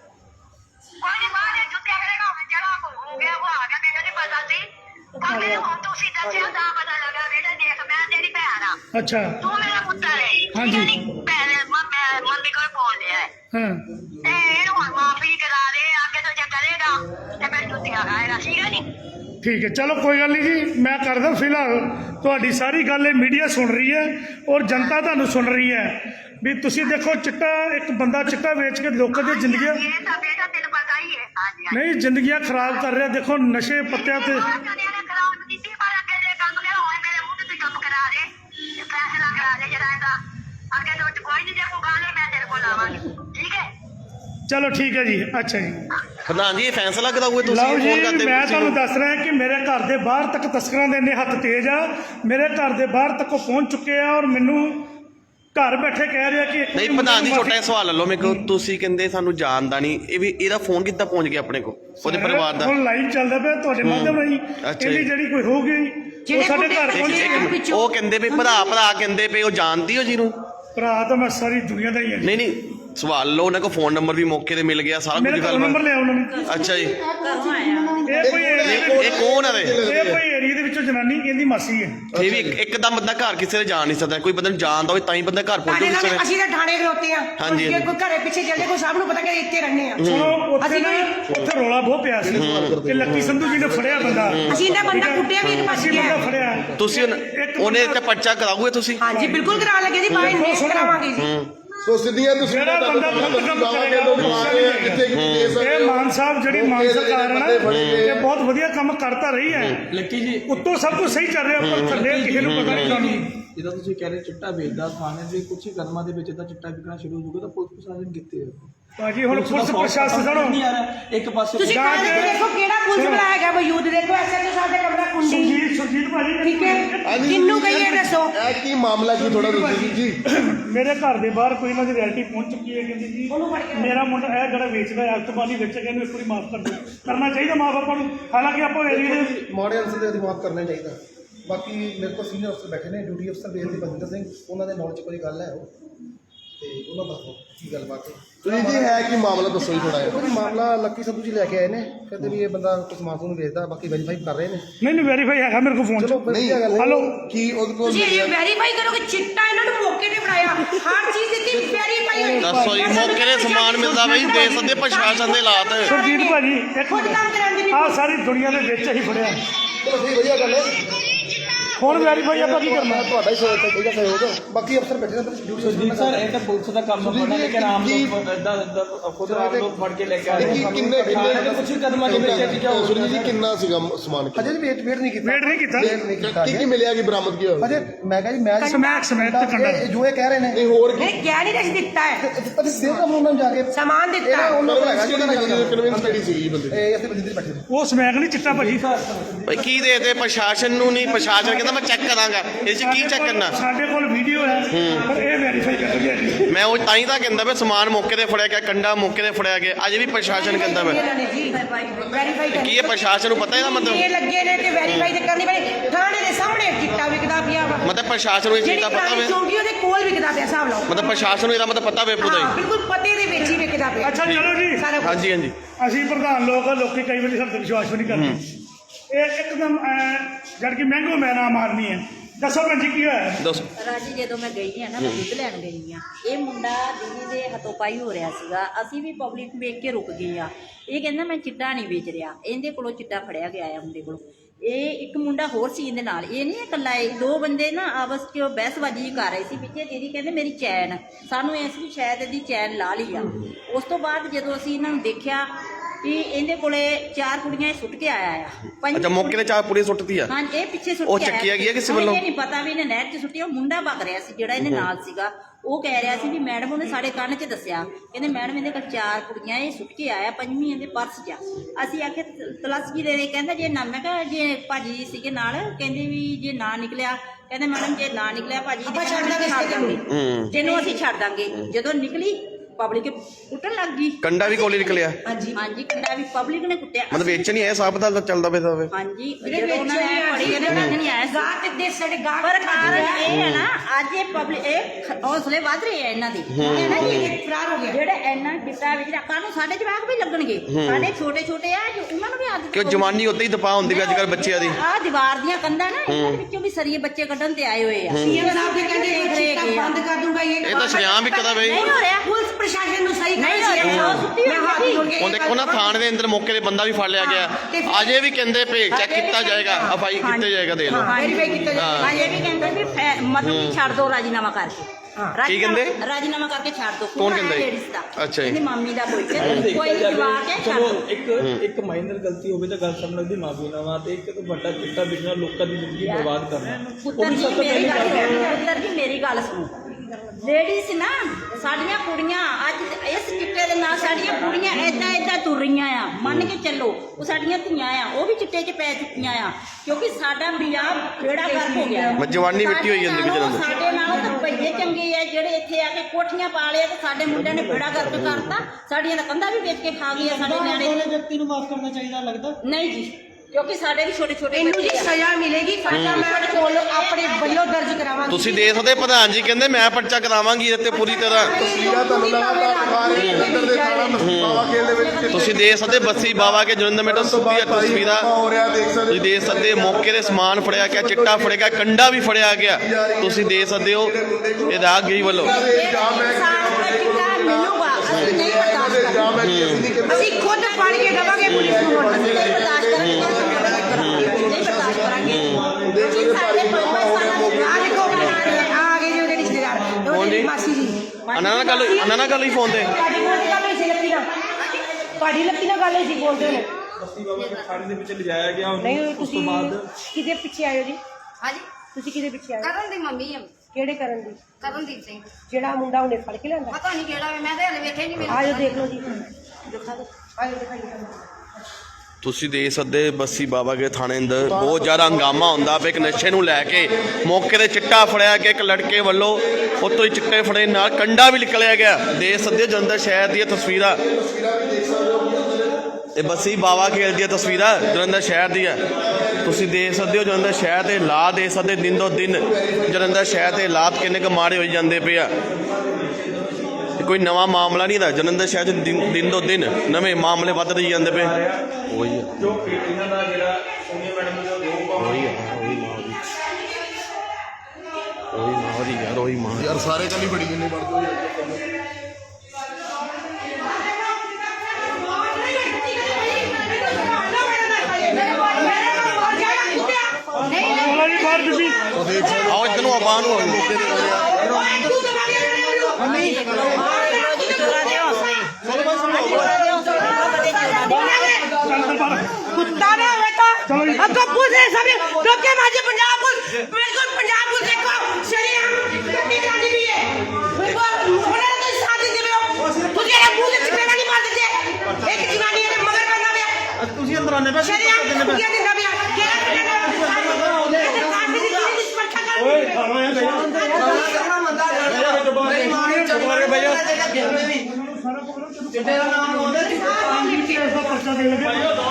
S4: ਅੱਛਾ
S7: ਤੂੰ ਮੇਰਾ ਪੁੱਤਰ ਹੈ।
S4: ਹਾਂਜੀ।
S7: ਭੈਣ ਮੰਮੀ ਕੋਲ ਬੋਲ ਰਿਹਾ ਹੈ
S4: ਹਾਂ
S7: ਤੇ ਇਹਨੂੰ ਹੁਣ ਮਾਫੀ ਕਰਾ ਦੇ। ਅੱਗੇ ਤੋਂ ਜੇ ਕਰੇਗਾ ਤੇ ਮੈਂ ਜੁੱਤੀਆਂ ਖਾਏਗਾ। ਠੀਕ ਹੈ ਨੀ?
S4: ਠੀਕ ਹੈ ਚਲੋ ਕੋਈ ਗੱਲ ਨਹੀਂ ਜੀ ਮੈਂ ਕਰਦਾ। ਫਿਲਹਾਲ ਤੁਹਾਡੀ ਸਾਰੀ ਗੱਲ ਇਹ ਮੀਡੀਆ ਸੁਣ ਰਹੀ ਹੈ ਔਰ ਜਨਤਾ ਤੁਹਾਨੂੰ ਸੁਣ ਰਹੀ ਹੈ ਵੀ ਤੁਸੀਂ ਦੇਖੋ ਚਿੱਟਾ ਇੱਕ ਬੰਦਾ ਚਿੱਟਾ ਵੇਚ ਕੇ ਲੋਕਾਂ ਦੀਆਂ ਜ਼ਿੰਦਗੀਆਂ
S7: ਇਹ ਤਾਂ ਬੇਟਾ ਤੈਨੂੰ ਪਤਾ ਹੀ ਹੈ। ਹਾਂਜੀ
S4: ਨਹੀਂ ਜ਼ਿੰਦਗੀਆਂ ਖਰਾਬ ਕਰ ਰਿਹਾ। ਦੇਖੋ ਨਸ਼ੇ ਪੱਤਿਆਂ ਤੇ
S7: ਖਰਾਬ ਦਿੱਤੀ ਪਰ ਅੱਗੇ ਜੇ ਕੰਮ ਕਰਾ ਹੋਏ ਮੇਰੇ ਮੂੰਹ ਤੇ ਕੰਮ ਕਰਾ ਦੇ ਤੇ ਫੈਸਲਾ ਕਰਾ ਦੇ ਜਿਹੜਾ ਇਹਦਾ ਅੱਗੇ ਤੋਂ ਕੋਈ ਨਹੀਂ ਦੇਖੂਗਾ। ਮੈਂ ਤੇਰੇ ਕੋਲ ਆਵਾਂਗੀ। ਠੀਕ ਹੈ
S4: ਚਲੋ ਠੀਕ ਹੈ ਜੀ। ਅੱਛਾ ਜੀ।
S2: ਪ੍ਰਧਾਨ ਜੀ ਇਹ ਫੈਸਲਾ ਕਰਾਉਗੇ
S4: ਲਓ
S2: ਤੁਸੀਂ
S4: ਜੀ
S2: ਫੋਨ ਕਰਦੇ
S4: ਮੈਂ
S2: ਤੁਸੀਂ
S4: ਤੁਹਾਨੂੰ ਦੱਸ ਰਿਹਾ ਕਿ ਮੇਰੇ ਘਰ ਦੇ ਬਾਹਰ ਤੱਕ ਤਸਕਰਾਂ ਦੇ ਇੰਨੇ ਹੱਥ ਤੇਜ਼ ਆ, ਮੇਰੇ ਘਰ ਦੇ ਬਾਹਰ ਤੱਕ ਉਹ ਪਹੁੰਚ ਚੁੱਕੇ ਆ ਔਰ ਮੈਨੂੰ ਘਰ ਬੈਠੇ ਕਹਿ ਰਿਹਾ ਕਿ ਇੱਕ
S2: ਨਹੀਂ
S4: ਵਾਰੀ
S2: ਪ੍ਰਧਾਨ ਜੀ
S4: ਮੁੰਡੇ ਨੂੰ
S2: ਛੋਟਾ ਜਿਹਾ ਸਵਾਲ ਲੈ ਲਓ ਮੇਰੇ ਕੋਲ, ਤੁਸੀਂ ਕਹਿੰਦੇ ਸਾਨੂੰ ਜਾਣਦਾ ਨਹੀਂ, ਇਹ ਵੀ ਇਹਦਾ ਫੋਨ ਕਿੱਦਾਂ ਪਹੁੰਚ ਗਿਆ ਆਪਣੇ ਕੋਲ ਉਹਦੇ ਪਰਿਵਾਰ ਦਾ?
S4: ਹੁਣ ਲਾਈਵ ਚੱਲਦਾ ਪਿਆ ਤੁਹਾਡੇ ਮਾਧਿਅਮ ਰਾਹੀਂ।
S2: ਅੱਛਾ
S4: ਇਹਦੀ
S2: ਜੀ।
S4: ਜਿਹੜੀ ਕੋਈ ਹੋਊਗੀ ਉਹ
S1: ਜਿਹੜੇ
S4: ਸਾਡੇ ਘਰ
S1: ਮੁੰਡੇ
S4: ਪਹੁੰਚੇਗੀ।
S2: ਇੱਕ ਮਿੰਟ, ਉਹ ਕਹਿੰਦੇ ਵੀ ਭਰਾ ਕਹਿੰਦੇ ਪਏ ਉਹ ਜਾਣਦੀ ਹੋ ਜਿਹਨੂੰ?
S4: ਭਰਾ ਤਾਂ ਮੈਂ ਸਾਰੀ ਦੁਨੀਆ ਦਾ ਹੀ ਹਾਂ।
S2: ਨਹੀਂ ਸਵਾਲ ਲਓ, ਉਹਨਾਂ ਕੋਲ ਫੋਨ ਨੰਬਰ ਵੀ ਮੌਕੇ ਤੇ ਮਿਲ ਗਿਆ, ਸਾਰਾ
S4: ਮੇਰੇ
S2: ਕੁਝ
S4: ਕੋਲ ਨੰਬਰ ਲਿਆ ਉਹਨਾਂ ਨੇ।
S2: ਅੱਛਾ ਜੀ,
S7: ਘਰੋਂ ਆਇਆ
S4: ਇਹ ਕੋਈ
S2: ਇਹ ਕੌਣ ਹੈ ਵੇ?
S4: ਇਹ ਕੋਈ ਏਰੀਆ ਦੇ ਵਿੱਚੋਂ ਜਨਾਨੀ ਇਹਦੀ ਮਾਸੀ ਹੈ।
S2: ਇਹ ਵੀ ਇੱਕਦਮ ਬੰਦਾ ਘਰ ਕਿਸੇ ਦੇ ਜਾਣ ਨਹੀਂ ਸਕਦਾ, ਕੋਈ ਬੰਦਾ ਨੂੰ ਜਾਣਦਾ ਹੋਵੇ ਤਾਂ ਹੀ ਬੰਦਾ ਘਰ ਪਹੁੰਚੂ ਕਿਸੇ ਦੇ।
S1: ਅਸੀਂ ਤਾਂ ਥਾਣੇ ਖਲੋਤੇ ਆ
S2: ਹਾਂਜੀ,
S1: ਜੇ
S2: ਹਾਂਜੀ।
S1: ਕੋਈ ਘਰੇ ਪਿੱਛੇ ਚੱਲ ਜਾਏ ਕੋਈ ਸਭ ਨੂੰ ਪਤਾ ਕਿ ਇੱਥੇ ਰਹਿੰਦੇ ਆ
S4: ਸੁਣੋ ਉੱਥੇ
S1: ਅਸੀਂ
S4: ਨਾ ਉੱਥੇ ਰੋਲਾ ਬਹੁਤ ਪਿਆ ਸੀ ਕਿ ਲੱਕੀ ਸੰਧੂ ਜੀ ਨੇ ਫੜਿਆ ਬੰਦਾ।
S1: ਅਸੀਂ ਇਹਨਾਂ ਬੰਦਾ ਕੁੱਟਿਆ ਵੀ ਇੱਕ ਪਾਸੇ
S4: ਅਸੀਂ ਬੰਦਾ
S1: ਗਿਆ
S4: ਫੜਿਆ।
S2: ਤੁਸੀਂ ਉਹਨੇ ਤੇ ਪਰਚਾ ਕਰਾਓਗੇ ਤੁਸੀਂ?
S1: ਹਾਂਜੀ ਬਿਲਕੁਲ ਕਰਾ ਲੱਗੇ ਜੀ ਬਾਹਰ ਇਨਵੈਸਟ ਕਰਾਵਾਂਗੇ ਜੀ।
S5: ਸੋ ਸਿੱਧੀਆਂ ਤੁਸੀਂ
S4: ਜਿਹੜਾ ਬੰਦਾ ਗਲਤ ਕੰਮ ਕਰੇਗਾ ਉਹ
S5: ਕਿੱਥੇ ਦੇ ਸਕਦੇ
S4: ਇਹ ਮਾਨ ਸਾਹਿਬ ਜਿਹੜੀ ਮਾਨ ਸਰਕਾਰ ਹੈ ਨਾ
S5: ਬੰਦੇ
S4: ਇਹ ਬਹੁਤ ਵਧੀਆ ਕੰਮ ਕਰਤਾ ਰਹੀ ਹੈ।
S8: ਲੱਕੀ ਜੀ
S4: ਉੱਤੋਂ ਸਭ ਕੁਝ ਸਹੀ ਚੱਲ ਰਿਹਾ ਪਰ ਥੱਲੇ ਕਿਸੇ ਨੂੰ ਪਤਾ ਨਹੀਂ ਕਾਨੂੰਨ।
S8: ਜਿੱਦਾਂ ਤੁਸੀਂ ਕਹਿ ਰਹੇ ਚਿੱਟਾ ਵੇਚਦਾ ਥਾਣੇ ਦੇ ਕੁਝ ਹੀ ਕਦਮਾਂ ਦੇ ਵਿੱਚ ਤਾਂ ਚਿੱਟਾ ਵਿਕਣਾ ਸ਼ੁਰੂ ਹੋ ਜਾਊਗਾ ਤਾਂ ਪੁਲਿਸ ਪ੍ਰਸ਼ਾਸਨ ਕਿੱਥੇ ਹੈ?
S4: ਭਾਜੀ ਹੁਣ ਪੁਲਿਸ ਪ੍ਰਸ਼ਾਸਨ
S8: ਨਹੀਂ
S4: ਸੁਣੋ
S8: ਆ ਰਿਹਾ ਇੱਕ ਪਾਸੇ
S1: ਤੁਸੀਂ
S4: ਜਾ
S1: ਕੱਲ
S4: ਕੇ-
S1: ਦੇਖੋ ਕਿਹੜਾ ਪੁਲਿਸ ਬਣਾਇਆ ਗਿਆ ਵਜੂਦ ਦੇਖੋ ਐਸਾ ਕਿ ਸਾਡੇ ਕਮਰਾ ਕੁੰਡੀ
S4: ਸੁਰਜੀਤ ਭਾਜੀ
S1: ਠੀਕ ਹੈ ਕਿੰਨੂੰ ਕਹੀਏ ਦੱਸੋ
S5: ਇਹ ਕੀ ਮਾਮਲਾ ਕੀ ਥੋੜਾ ਦੱਸੋ ਜੀ।
S4: ਮੇਰੇ ਘਰ ਦੇ ਬਾਹਰ ਕੋਈ ਇਹਨਾਂ ਦੀ ਰਿਐਲਿਟੀ ਪਹੁੰਚ ਚੁੱਕੀ ਹੈ। ਕਹਿੰਦੀ ਜੀ ਮੇਰਾ ਮੁੰਡਾ ਇਹ ਜਿਹੜਾ ਵੇਚਦਾ ਹੈ ਅਕਤਬਾਨੀ ਵੇਚ ਕੇ ਇਹਨੂੰ ਇੱਕ ਵਾਰੀ ਮਾਫ ਕਰ ਦਿਓ। ਕਰਨਾ ਚਾਹੀਦਾ ਮਾਂ ਬਾਪਾਂ ਨੂੰ। ਹਾਲਾਂਕਿ ਆਪਾਂ ਏਰੀਏ ਦੇ
S9: ਮਾੜੇ ਅਨਸਰ ਦੇ ਦਿਮਾਗ ਕਰਨਾ ਚਾਹੀਦਾ। ਬਾਕੀ ਮੇਰੇ ਕੋਲ ਸੀਨੀਅਰ ਅਫਸਰ ਬੈਠੇ ਨੇ, ਡਿਊਟੀ ਅਫਸਰ ਬੇਨਤੀ ਬਲਜਿੰਦਰ ਸਿੰਘ, ਉਹਨਾਂ ਦੇ ਨੌਲੇਜ ਕੋਈ ਗੱਲ ਹੈ ਉਹ ਤੇ ਉਹਨਾਂ ਦੱਸੋ ਕੀ ਗੱਲਬਾਤ ਹੈ।
S5: ਤੁਸੀਂ ਜੀ ਹੈ ਕੀ ਮਾਮਲਾ ਦੱਸੋ ਜੀ ਥੋੜਾ
S9: ਕੋਈ ਮਾਮਲਾ ਲੱਕੀ ਸੰਧੂ ਜੀ ਲੈ ਕੇ ਆਏ ਨੇ, ਕਹਿੰਦੇ ਵੀ ਇਹ ਬੰਦਾ ਕੁਝ ਸਮਾਨ ਨੂੰ ਵੇਚਦਾ, ਬਾਕੀ ਵੈਰੀਫਾਈ ਕਰ ਰਹੇ ਨੇ।
S4: ਨਹੀਂ ਵੈਰੀਫਾਈ ਹੈਗਾ ਮੇਰੇ ਕੋਲ ਫੋਨ
S9: ਚਲੋ
S4: 'ਚ।
S9: ਵਧੀਆ ਗੱਲ ਹੈ।
S4: ਹਲੋ
S5: ਕੀ ਉਹਦੇ ਕੋਲ
S1: ਤੁਸੀਂ ਇਹ ਵੈਰੀਫਾਈ ਕਰੋਗੇ ਚਿੱਟਾ ਇਹਨਾਂ ਨੂੰ ਮੌਕੇ ਤੇ ਫੜਾਇਆ ਹਰ ਚੀਜ਼ ਦਿੱਤੀ ਵੈਰੀਫਾਈ ਹੋਈ
S2: ਦੱਸੋ ਜੀ, ਮੌਕੇ ਤੇ ਸਮਾਨ ਮਿਲਦਾ ਬਈ ਦੇ ਸਕਦੇ ਪ੍ਰਸ਼ਾਸਨ ਦੇ ਹਾਲਾਤ।
S4: ਸੁਰਜੀਤ ਭਾਜੀ ਇੱਕ
S1: ਖੁਦ ਕੰਮ ਕਰਾਉਂਦੇ ਨੇ
S4: ਆਹ ਸਾਰੀ ਦੁਨੀਆ ਦੇ ਵਿੱਚ ਹੀ ਫੜਿਆ।
S9: ਚਲੋ ਠੀਕ ਵਧੀਆ ਗੱਲ ਹੈ।
S4: ਹੁਣ ਵੈਰੀਫਾਈ ਆਪਾਂ ਕੀ ਕਰਨਾ?
S9: ਤੁਹਾਡਾ ਹੀ ਸਹਿਯੋਗ। ਬਾਕੀ ਅਫਸਰ ਬੈਠੇ ਨੇ ਡਿਊਟੀ
S8: ਜੀ ਸਰ ਇਹ ਤਾਂ ਪੁਲਿਸ ਦਾ ਕੰਮ ਹੈ ਲੇਕਿਨ ਆਮ ਲੋਕ ਇਦਾਂ ਖੁਦ ਆਮ ਲੋਕ ਫੜ ਕੇ ਲੈ ਕੇ ਆ ਰਹੇ ਨੇ।
S5: ਕਿੰਨੇ
S8: ਕੁਝ ਹੀ ਕਦਮਾਂ ਦੇ ਵਿੱਚ ਚੀਜ਼ਾਂ ਹੋ
S5: ਸੁਰਜੀਤ ਜੀ ਕਿੰਨਾ ਸੀਗਾ ਸਮਾਨ?
S9: ਅਜੇ ਵੀ ਵੇਟ ਨਹੀਂ ਕੀਤਾ।
S4: ਵੇਟ ਨਹੀਂ ਕੀਤਾ।
S9: ਵੇਟ ਨਹੀਂ ਕੀਤਾ
S5: ਕੀ ਮਿਲਿਆ ਕੀ ਬਰਾਮਦ ਕੀ ਹੋਇਆ?
S9: ਅਜੇ ਮੈਂ ਕਿਹਾ ਜੀ ਮੈਂ
S4: ਸਮੈਕ ਤੇ ਕੰਡਾ
S9: ਜੋ ਇਹ ਕਹਿ ਰਹੇ ਨੇ
S5: ਨਹੀਂ ਹੋਰ ਕੀ
S1: ਨਹੀਂ ਕਹਿ ਨਹੀਂ ਰਹੀ ਦਿੱਤਾ ਹੈ
S9: ਅਸੀਂ ਦੇ ਕੰਮ ਉਹਨਾਂ ਨੂੰ ਜਾ ਕੇ
S1: ਸਮਾਨ ਦਿੱਤਾ
S9: ਇਹਨਾਂ
S1: ਹੈ।
S9: ਉਹਨਾਂ ਕੋਲ ਹੈਗਾ ਜੀ ਉਹਨਾਂ ਨਾਲ ਗੱਲ ਕਰੋ।
S5: ਕਨਵਿੰਸ ਕਿਹੜੀ ਸੀਗੀ ਬੰਦੇ ਦੀ?
S9: ਇਹ ਅਸੀਂ ਬਲਜਿੰਦਰ ਬੈਠੇ ਨੇ।
S4: ਉਹ ਸਮੈਕ ਨਹੀਂ ਚਿੱਟਾ ਭਾਜੀ।
S2: ਬਈ ਕੀ ਦੇ ਪ੍ਰਸ਼ਾਸਨ ਨੂੰ ਨਹੀਂ, ਪ੍ਰਸ਼ਾਸਨ ਕਹਿੰਦਾ ਮੈਂ ਚੈੱਕ ਕਰਾਂਗਾ, ਇਹ 'ਚ ਕੀ ਚੈੱਕ ਕਰਨਾ?
S4: ਸਾਡੇ ਕੋਲ ਵੀਡੀਓ ਹੈ ਪਰ ਇਹ ਵੈਰੀਫਾਈ ਕਰ ਰਹੀ
S2: ਮੈਂ ਉਹ ਤਾਂ ਹੀ ਤਾਂ ਕਹਿੰਦਾ ਵੀ ਸਮਾਨ ਮੌਕੇ ਤੇ ਫੜਿਆ ਗਿਆ, ਕੰਡਾ ਮੌਕੇ ਤੇ ਫੜਿਆ ਗਿਆ, ਅਜੇ ਵੀ ਪ੍ਰਸ਼ਾਸਨ ਕਹਿੰਦਾ ਵਾ।
S1: ਇਹਨਾਂ ਨੇ ਜੀ ਵੈਰੀਫਾਈ
S2: ਕੀ ਇਹ ਪ੍ਰਸ਼ਾਸਨ ਨੂੰ ਪਤਾ ਇਹਦਾ ਮਤਲਬ?
S1: ਇਹ ਲੱਗੇ ਨੇ ਤੇ ਵੈਰੀਫਾਈ ਤੇ ਕਰਨੀ ਪੈਣੀ। ਥਾਣੇ ਦੇ ਸਾਹਮਣੇ ਚਿੱਟਾ ਵਿਕਦਾ ਪਿਆ ਵਾ
S2: ਮਤਲਬ ਪ੍ਰਸ਼ਾਸਨ ਨੂੰ ਇਹ ਚੀਜ਼
S1: ਜਿਹੜੀ
S2: ਦਾ ਪਤਾ
S1: ਪੁਰਾਣੀ
S2: ਵੇ?
S1: ਚੌਂਕੀ ਉਹਦੇ ਕੋਲ ਵਿਕਦਾ ਪਿਆ ਹਿਸਾਬ ਲਾਓ
S2: ਮਤਲਬ ਪ੍ਰਸ਼ਾਸਨ ਨੂੰ ਇਹਦਾ ਮਤਲਬ ਪਤਾ ਵੇ ਪੂਰਾ
S1: ਹਾਂ
S2: ਹੀ?
S1: ਬਿਲਕੁਲ ਪਤੇ ਦੇ ਵਿੱਚ ਹੀ ਵਿਕਦਾ ਪਿਆ
S4: ਅੱਛਾ ਚਲੋ ਜੀ
S1: ਸਾਰਾ ਕੁਛ।
S2: ਹਾਂਜੀ ਹਾਂਜੀ।
S4: ਅਸੀਂ ਪ੍ਰਧਾਨ ਲੋਕੀ ਕਈ ਵਾਰੀ ਸਾਡੇ ਤੇ ਵਿਸ਼ਵਾਸ ਵੀ ਨਹੀਂ ਕਰਦੇ। ਇਹ ਇੱਕਦਮ ਜਦ ਕਿ ਮਹਿੰਗੋ ਮੈਂ ਨਾ ਮਾਰਨੀ ਹੈ। ਦੱਸੋ ਭੈਣ ਜੀ ਕੀ ਹੋਇਆ?
S2: ਦੱਸੋ।
S7: ਰਾਜੀ ਜਦੋਂ ਮੈਂ ਗਈ ਆ ਨਾ ਮੈਂ ਦੁੱਧ ਲੈਣ ਗਈ ਆ, ਇਹ ਮੁੰਡਾ ਦੀਦੀ ਦੇ ਹੱਥੋਂ ਪਾਈ ਹੋ ਰਿਹਾ ਸੀਗਾ। ਅਸੀਂ ਵੀ ਪਬਲਿਕ ਵੇਖ ਕੇ ਰੁਕ ਗਏ ਆ। ਇਹ ਕਹਿੰਦਾ ਮੈਂ ਚਿੱਟਾ ਨਹੀਂ ਵੇਚ ਰਿਹਾ, ਇਹਦੇ ਕੋਲੋਂ ਚਿੱਟਾ ਫੜਿਆ ਗਿਆ ਆ ਮੁੰਡੇ ਕੋਲੋਂ। ਇਹ ਇੱਕ ਮੁੰਡਾ ਹੋਰ ਸੀ ਇਹਦੇ ਨਾਲ, ਇਹ ਨਹੀਂ ਇਕੱਲਾ, ਇਹ ਦੋ ਬੰਦੇ ਨਾ ਆਪਸ 'ਚ ਬਹਿਸਬਾਜ਼ੀ ਕਰ ਰਹੇ ਸੀ ਪਿੱਛੇ। ਦੀਦੀ ਕਹਿੰਦੇ ਮੇਰੀ ਚੈਨ, ਸਾਨੂੰ ਇਸ ਵੀ ਸ਼ਾਇਦ ਇਹਦੀ ਚੈਨ ਲਾ ਲਈ ਆ। ਉਸ ਤੋਂ ਬਾਅਦ ਜਦੋਂ ਅਸੀਂ ਇਹਨਾਂ ਨੂੰ ਦੇਖਿਆ ਕਿ ਇਹਦੇ ਕੋਲੇ 4 ਕੁੜੀਆਂ ਇਹ ਸੁੱਟ ਕੇ ਆਇਆ ਆ।
S2: ਅੱਛਾ ਮੌਕੇ ਤੇ ਚਾਹ ਪੂਰੀ ਸੁੱਟਤੀ ਆ?
S7: ਹਾਂ ਇਹ ਪਿੱਛੇ ਸੁੱਟ
S2: ਉਹ
S7: ਕੇ ਆਇਆ।
S2: ਚੱਕਿਆ ਗਿਆ ਕਿਸੇ ਵੱਲੋਂ?
S7: ਇਹ ਨਹੀਂ ਪਤਾ ਵੀ ਇਹਨੇ ਨਹਿਰ 'ਚ ਸੁੱਟੀ। ਉਹ ਮੁੰਡਾ ਭੱਗ ਰਿਹਾ ਸੀ ਜਿਹੜਾ ਇਹਦੇ ਨਾਲ ਸੀਗਾ। ਉਹ ਕਹਿ ਰਿਹਾ ਸੀ ਵੀ ਮੈਡਮ ਉਹਨੇ ਸਾਡੇ ਕੰਨ 'ਚ ਦੱਸਿਆ, ਕਹਿੰਦੇ ਮੈਡਮ ਇਹਦੇ ਕੋਲ 4 ਕੁੜੀਆਂ ਇਹ ਸੁੱਟ ਕੇ ਆਇਆ, 5ਵੀਂ ਇਹਦੇ ਪਰਸ 'ਚ। ਅਸੀਂ ਆਖਿਆ ਤਲਾਸ਼ੀ ਦੇ ਰਹੇ, ਕਹਿੰਦਾ ਜੇ ਨਾ, ਮੈਂ ਕਿਹਾ ਜੇ ਭਾਜੀ ਸੀਗੇ ਨਾਲ, ਕਹਿੰਦੇ ਵੀ ਜੇ ਨਾ ਨਿਕਲਿਆ, ਕਹਿੰਦੇ ਮੈਡਮ ਜੇ ਨਾ ਨਿਕਲਿਆ ਭਾਜੀ ਛੱਡ ਦਾਂਗੇ, ਜਿਹਨੂੰ ਅਸੀਂ ਛੱਡ ਦਾਂਗੇ। ਜਦੋਂ ਨਿਕਲੀ ਪਬਲਿਕ ਕੁੱਟਣ ਲੱਗ ਗਈ। ਕੰਡਾ ਵੀ ਕੋਲੀ ਨਿਕਲਿਆ? ਹਾਂਜੀ ਹਾਂਜੀ ਕੰਡਾ ਵੀ ਪਬਲਿਕ ਨੇ ਕੁੱਟਿਆ।
S2: ਮਤਲਬ ਵੇਚਣ ਹੀ ਆਇਆ, ਸਾਬ ਦਾ ਚੱਲਦਾ ਪਿਆ ਹੋਵੇ?
S7: ਹਾਂਜੀ ਜਦੋਂ ਉਹਨਾਂ ਨੇ ਫੜੀ ਇਹਨੇ ਉਹਨਾਂ ਨੇ ਨਹੀਂ ਆਇਆ
S1: ਗਾਹ ਤੇ ਦੇ ਸਾਡੇ ਗਾਹ
S7: ਪਰ ਕਾਰਨ ਇਹ ਹੈ ਨਾ ਅੱਜ ਇਹ ਪਬਲਿਕ ਇਹ ਹੌਸਲੇ ਵੱਧ ਰਹੇ ਆ ਇਹਨਾਂ ਦੇ।
S1: ਇਹ ਨਾ ਜੀ ਇਹ ਫਰਾਰ ਹੋ ਗਿਆ
S7: ਜਿਹੜੇ ਇੰਨਾ ਕਿੱਤਾ ਵਿੱਚ ਰੱਖਾਂ ਨੂੰ ਸਾਡੇ ਜਵਾਕ ਵੀ ਲੱਗਣਗੇ। ਸਾਡੇ ਛੋਟੇ ਛੋਟੇ ਆ ਜੋ ਉਹਨਾਂ ਨੂੰ ਵੀ ਆਦਤ
S2: ਕਿ ਜਵਾਨੀ ਉੱਤੇ ਹੀ ਦਫਾ ਹੁੰਦੀ ਵੀ ਅੱਜ ਕੱਲ ਬੱਚਿਆਂ ਦੀ।
S7: ਆਹ ਦੀਵਾਰ ਦੀਆਂ ਕੰਧਾਂ ਨਾ ਇਹਨਾਂ ਦੇ ਵਿੱਚੋਂ ਵੀ ਸਰੀਏ ਬੱਚੇ ਕੱਢਣ ਤੇ ਆਏ ਹੋਏ ਆ।
S1: ਸੀਐਮ ਸਾਹਿਬ ਦੇ ਕਹਿੰਦੇ ਇਹ ਚਿੱਟਾ ਬੰਦ ਕਰ ਦੂੰਗਾ
S2: ਇਹ ਤਾਂ ਸ਼ਰਿਆਮ ਵੀ ਕਦਾ ਬਈ।
S7: ਨਹੀਂ ਹੋ ਰਿਹਾ।
S1: ਪੁਲਿਸ ਪ੍ਰਸ਼ਾਸਨ ਨੂੰ ਸਹੀ
S7: ਨਹੀਂ ਹੋ ਰਿਹਾ।
S1: ਮੈਂ ਹੱਥ ਜੋੜ ਕੇ
S2: ਉਹ ਦੇਖੋ ਨਾ ਥਾਣੇ ਦੇ ਅੰਦਰ ਮੌਕੇ ਤੇ ਬੰਦਾ ਵੀ ਫੜ ਲਿਆ ਗਿਆ, ਅਜੇ ਵੀ ਕਹਿੰਦੇ ਪੇ ਚੈੱਕ ਕੀਤਾ ਜਾਏਗਾ, ਅਫਾਈ ਕੀਤੇ ਜਾਏਗਾ। ਦੇ ਲਓ
S1: ਵੈਰੀਫਾਈ ਕੀਤਾ ਜਾਏਗਾ।
S7: ਇਹ ਵੀ ਕਹਿੰਦੇ ਵੀ ਮਤਲਬ ਕਿ ਛੱਡ ਦੋ ਰਾਜੀਨਾਮਾ ਕਰਕੇ।
S2: ਕੀ ਕਹਿੰਦੇ?
S7: ਰਾਜੀਨਾਮਾ ਕਰਕੇ ਛੱਡ ਦੋ।
S2: ਕੌਣ ਕਹਿੰਦਾ?
S7: ਲੇਡੀਜ਼ ਦਾ।
S2: ਅੱਛਾ ਜੀ।
S7: ਇਹਦੀ ਮਾਮੀ ਦਾ ਕੋਈ ਜਵਾਬ ਹੈ ਛੱਡ
S8: ਚਲੋ
S7: ਦੋ।
S8: ਇੱਕ ਮਾਈਨਰ ਗਲਤੀ ਹੋਵੇ ਤਾਂ ਗੱਲ ਸਮਝ ਲੱਗਦੀ ਮਾਫੀਨਾਮਾ, ਤੇ ਇੱਕ ਵੱਡਾ ਚਿੱਟਾ ਵਿਕਣਾ, ਲੋਕਾਂ ਦੀ ਜ਼ਿੰਦਗੀ ਬਰਬਾਦ ਕਰਨਾ, ਉਹ
S7: ਪੁੱਤਰ
S8: ਵੀ
S7: ਜੀ
S8: ਸਭ ਤੋਂ
S7: ਮੇਰੀ
S8: ਪਹਿਲੀ
S7: ਗੱਲ
S8: ਗੱਲ ਹੈ।
S7: ਸੁਣੋ। ਪੁੱਤਰ ਜੀ ਮੇਰੀ ਗੱਲ ਸੁਣੋ। ਲੇਡੀਜ਼ ਨਾ ਸਾਡੀਆਂ ਕੁੜੀਆਂ ਅੱਜ ਇਸ ਚਿੱਟੇ ਦੇ ਨਾਲ ਸਾਡੀਆਂ ਕੁੜੀਆਂ ਏਦਾਂ ਤੁਰ ਰਹੀਆਂ ਆ, ਮੰਨ ਕੇ ਚੱਲੋ। ਉਹ ਸਾਡੀਆਂ ਧੀਆਂ ਆ, ਉਹ ਵੀ ਚਿੱਟੇ 'ਚ ਪੈ ਚੁੱਕੀਆਂ ਆ, ਕਿਉਂਕਿ ਸਾਡਾ ਪੰਜਾਬ ਬੇੜਾ ਗਰਕ ਹੋ ਗਿਆ।
S2: ਜਵਾਨੀ ਮਿੱਟੀ ਹੋਈ ਜਾਂਦੀ ਵਿਚਾਰਾਂ ਦੀ।
S7: ਸਾਡੇ ਨਾਲੋਂ ਤਾਂ ਭਈਏ ਚੰਗੇ ਆ ਜਿਹੜੇ ਇੱਥੇ ਆ ਕੇ ਕੋਠੀਆਂ ਪਾ ਲਿਆ ਤੇ ਸਾਡੇ ਮੁੰਡਿਆਂ ਨੇ ਬੇੜਾ ਗਰਕ ਕਰਤਾ। ਸਾਡੀਆਂ ਤਾਂ ਕੰਧਾਂ ਵੀ ਵੇਚ ਕੇ ਖਾ ਗਈਆਂ ਸਾਡੇ ਨਿਆਣੇ।
S6: ਵਿਅਕਤੀ ਨੂੰ ਮਾਫ ਕਰਨਾ ਚਾਹੀਦਾ ਲੱਗਦਾ
S7: ਨਹੀਂ ਜੀ, ਕਿਉਂਕਿ ਸਾਡੇ ਵੀ ਛੋਟੇ ਛੋਟੇ
S1: ਇਹਨੂੰ ਜੀ ਸਜ਼ਾ ਮਿਲੇਗੀ। ਪਰਚਾ ਮੈਂ ਕੋਲ ਆਪਣੇ ਵੱਲੋਂ ਦਰਜ ਕਰਾਵਾਂਗੀ।
S2: ਤੁਸੀਂ ਦੇਖ ਸਕਦੇ ਪ੍ਰਧਾਨ ਜੀ ਕਹਿੰਦੇ ਮੈਂ ਪਰਚਾ ਕਰਾਵਾਂਗੀ ਇੱਥੇ ਪੂਰੀ ਤਰ੍ਹਾਂ।
S5: ਤਸਵੀਰਾਂ ਤੁਹਾਨੂੰ ਲਗਾਤਾਰ ਦਿਖਾ ਰਹੇ ਹਾਂ ਜਲੰਧਰ ਦੇ ਥਾਣਾ ਬਾਵਾ ਖੇਲ ਦੇ ਵਿੱਚ
S2: ਤੁਸੀਂ ਦੇਖ ਸਕਦੇ ਬੱਸੀ ਬਾਵਾ ਕੇ ਜਲੰਧਰ ਮੇਟੋ ਸਿੱਧੀਆਂ ਤਸਵੀਰਾਂ
S5: ਹੋ ਰਿਹਾ ਦੇਖ ਸਕਦੇ
S2: ਤੁਸੀਂ ਦੇਖ ਸਕਦੇ ਮੌਕੇ ਦੇ ਸਮਾਨ ਫੜਿਆ ਗਿਆ, ਚਿੱਟਾ ਫੜਿਆ ਗਿਆ, ਕੰਡਾ ਵੀ ਫੜਿਆ ਗਿਆ। ਤੁਸੀਂ ਦੇਖ ਸਕਦੇ ਹੋ ਇਹ ਰਾਹਗੀਰ ਵੱਲੋਂ।
S7: ਮਿਲੂਗਾ, ਅਸੀਂ ਨਹੀਂ ਬਰਦਾਸ਼ਤ ਕਰਾਂਗੇ।
S1: ਅਸੀਂ ਖੁਦ ਫੜ ਕੇ ਦੇਵਾਂਗੇ ਪੁਲਿਸ ਨੂੰ ਹੁਣ।
S7: ਅਸੀਂ ਨਹੀਂ ਬਰਦਾਸ਼ਤ ਕਰਾਂਗੇ, ਨਹੀਂ ਬਰਦਾਸ਼ਤ ਕਰਾਂਗੇ। ਜੀ ਸਾਡੇ 5 ਸਾਲਾਂ ਦੇ
S1: ਆ ਦੇਖੋ ਆ ਗਏ ਜੀ ਉਹਦੇ ਰਿਸ਼ਤੇਦਾਰ, ਉਹਦੀ ਮਾਸੀ ਜੀ।
S2: ਇਹਨਾਂ ਨਾਲ ਗੱਲ ਹੀ ਫੋਨ ਤੇ।
S1: ਤੁਹਾਡੀ ਫੋਨ ਤੇ ਗੱਲ ਹੋਈ ਸੀ ਲੱਕੀ ਨਾਲ? ਤੁਹਾਡੀ ਲੱਕੀ ਨਾਲ ਗੱਲ ਹੋਈ ਸੀ ਫੋਨ ਤੇ ਉਹਨੇ?
S8: ਥਾਣੇ ਦੇ ਵਿੱਚ ਲਿਜਾਇਆ ਗਿਆ
S1: ਨਹੀਂ ਤੁਸੀਂ ਕਿਹਦੇ ਪਿੱਛੇ ਆਏ ਹੋ ਜੀ?
S10: ਹਾਂਜੀ
S1: ਤੁਸੀਂ ਕਿਹਦੇ ਪਿੱਛੇ ਆਏ ਹੋ?
S10: ਕਰਨ ਦੀ ਮੰਮੀ ਆ,
S1: ਕਿਹੜੇ ਕਰਨ ਦੀ?
S10: ਕਰਨਦੀਪ ਸਿੰਘ।
S1: ਜਿਹੜਾ ਮੁੰਡਾ ਉਹਨੇ ਫੜ ਕੇ ਲਿਆਂਦਾ?
S10: ਪਤਾ ਨਹੀਂ ਕਿਹੜਾ ਵੇ, ਮੈਂ ਤਾਂ ਹਲੇ ਵੇਖਿਆ ਨਹੀਂ।
S1: ਆਜੋ ਦੇਖ ਲਓ ਜੀ, ਦਿਖਾ ਦਿਓ, ਆਜੋ ਦਿਖਾਈਏ।
S2: ਤੁਸੀਂ ਦੇਖ ਸਕਦੇ ਬੱਸੀ ਬਾਵਾ ਕੇ ਥਾਣੇ ਅੰਦਰ ਬਹੁਤ ਜ਼ਿਆਦਾ ਹੰਗਾਮਾ ਹੁੰਦਾ ਪਿਆ। ਇੱਕ ਨਸ਼ੇ ਨੂੰ ਲੈ ਕੇ ਮੌਕੇ ਤੇ ਚਿੱਟਾ ਫੜਿਆ ਗਿਆ ਇੱਕ ਲੜਕੇ ਵੱਲੋਂ, ਉੱਤੋਂ ਹੀ ਚਿੱਟੇ ਫੜੇ ਨਾਲ ਕੰਡਾ ਵੀ ਨਿਕਲਿਆ ਗਿਆ। ਦੇਖ ਸਕਦੇ ਜਲੰਧਰ ਸ਼ਹਿਰ ਦੀਆਂ ਤਸਵੀਰਾਂ, ਇਹ ਬੱਸੀ ਬਾਵਾ ਖੇਲ ਦੀਆਂ ਤਸਵੀਰਾਂ ਜਲੰਧਰ ਸ਼ਹਿਰ ਦੀਆਂ। ਤੁਸੀਂ ਦੇਖ ਸਕਦੇ ਹੋ ਜਲੰਧਰ ਸ਼ਹਿਰ ਦੇ ਹਾਲਾਤ ਦੇਖ ਸਕਦੇ, ਦਿਨ ਤੋਂ ਦਿਨ ਜਲੰਧਰ ਸ਼ਹਿਰ ਦੇ ਹਾਲਾਤ ਕਿੰਨੇ ਕੁ ਮਾੜੇ ਹੋਈ ਜਾਂਦੇ ਪਏ ਆ। ਕੋਈ ਨਵਾਂ ਮਾਮਲਾ ਨਹੀਂ ਦਾ ਜਲੰਧਰ ਸ਼ਹਿਰ 'ਚ ਦਿਨ ਤੋਂ ਦਿਨ ਨਵੇਂ ਮਾਮਲੇ ਵੱਧ ਰਹੀ ਜਾਂਦੇ ਪਏ। ਉਹੀ
S8: ਜੋ ਇਹਨਾਂ ਦਾ ਜਿਹੜਾ ਸੋਨੀਆ ਮੈਡਮ ਦਾ ਰੋਪ ਆ
S2: ਉਹੀ ਮਾਂ
S5: ਯਾਰ ਸਾਰੇ ਕੱਲੀ ਬੜੀ ਜਿੰਨੇ ਵੜ ਦੋ
S4: ਬੋਲਾ ਜੀ ਬਾਹਰ ਬੀਬੀ।
S2: ਆਓ ਇੱਧਰ ਨੂੰ ਆਬਾਂ ਨੂੰ
S1: ਕੁੱਤਾ ਨਾ ਬੇਟਾ ਅੱਗੋਂ ਪੁਲਿਸ ਸਾਰੇ ਲੋਕੇ ਮਾਜੇ ਪੰਜਾਬ ਪੁਲਿਸ ਬਿਲਕੁਲ ਪੰਜਾਬ ਪੁਲਿਸ ਦੇਖੋ ਸ਼ਰੀਆ ਕੀ ਜਾਂਦੀ ਵੀ ਹੈ ਉਹਨਾਂ ਨੇ ਸਾਥੀ ਦੇ ਹੋ ਤੁਸੀਂ ਇਹ ਪੁਲਿਸ ਚ ਪੈਣਾ ਨਹੀਂ ਮਾਰ ਦਿੰਦੇ। ਇੱਕ ਜਨਾਨੀ ਦੇ ਮਗਰ ਕਰਨਾ ਪਿਆ,
S8: ਤੁਸੀਂ ਅੰਦਰ ਆਨੇ ਪਏ
S1: ਸ਼ਰੀਆ ਕੀ ਦਿੰਦਾ ਪਿਆ
S4: ਓਏ ਖਾਣਾ ਹੈ
S6: ਚਿੱਟੇ ਦਾ ਨਾਮ ਆਉਂਦਾ
S4: ਪਰਚਾ ਦੇਣ ਲੱਗੇ।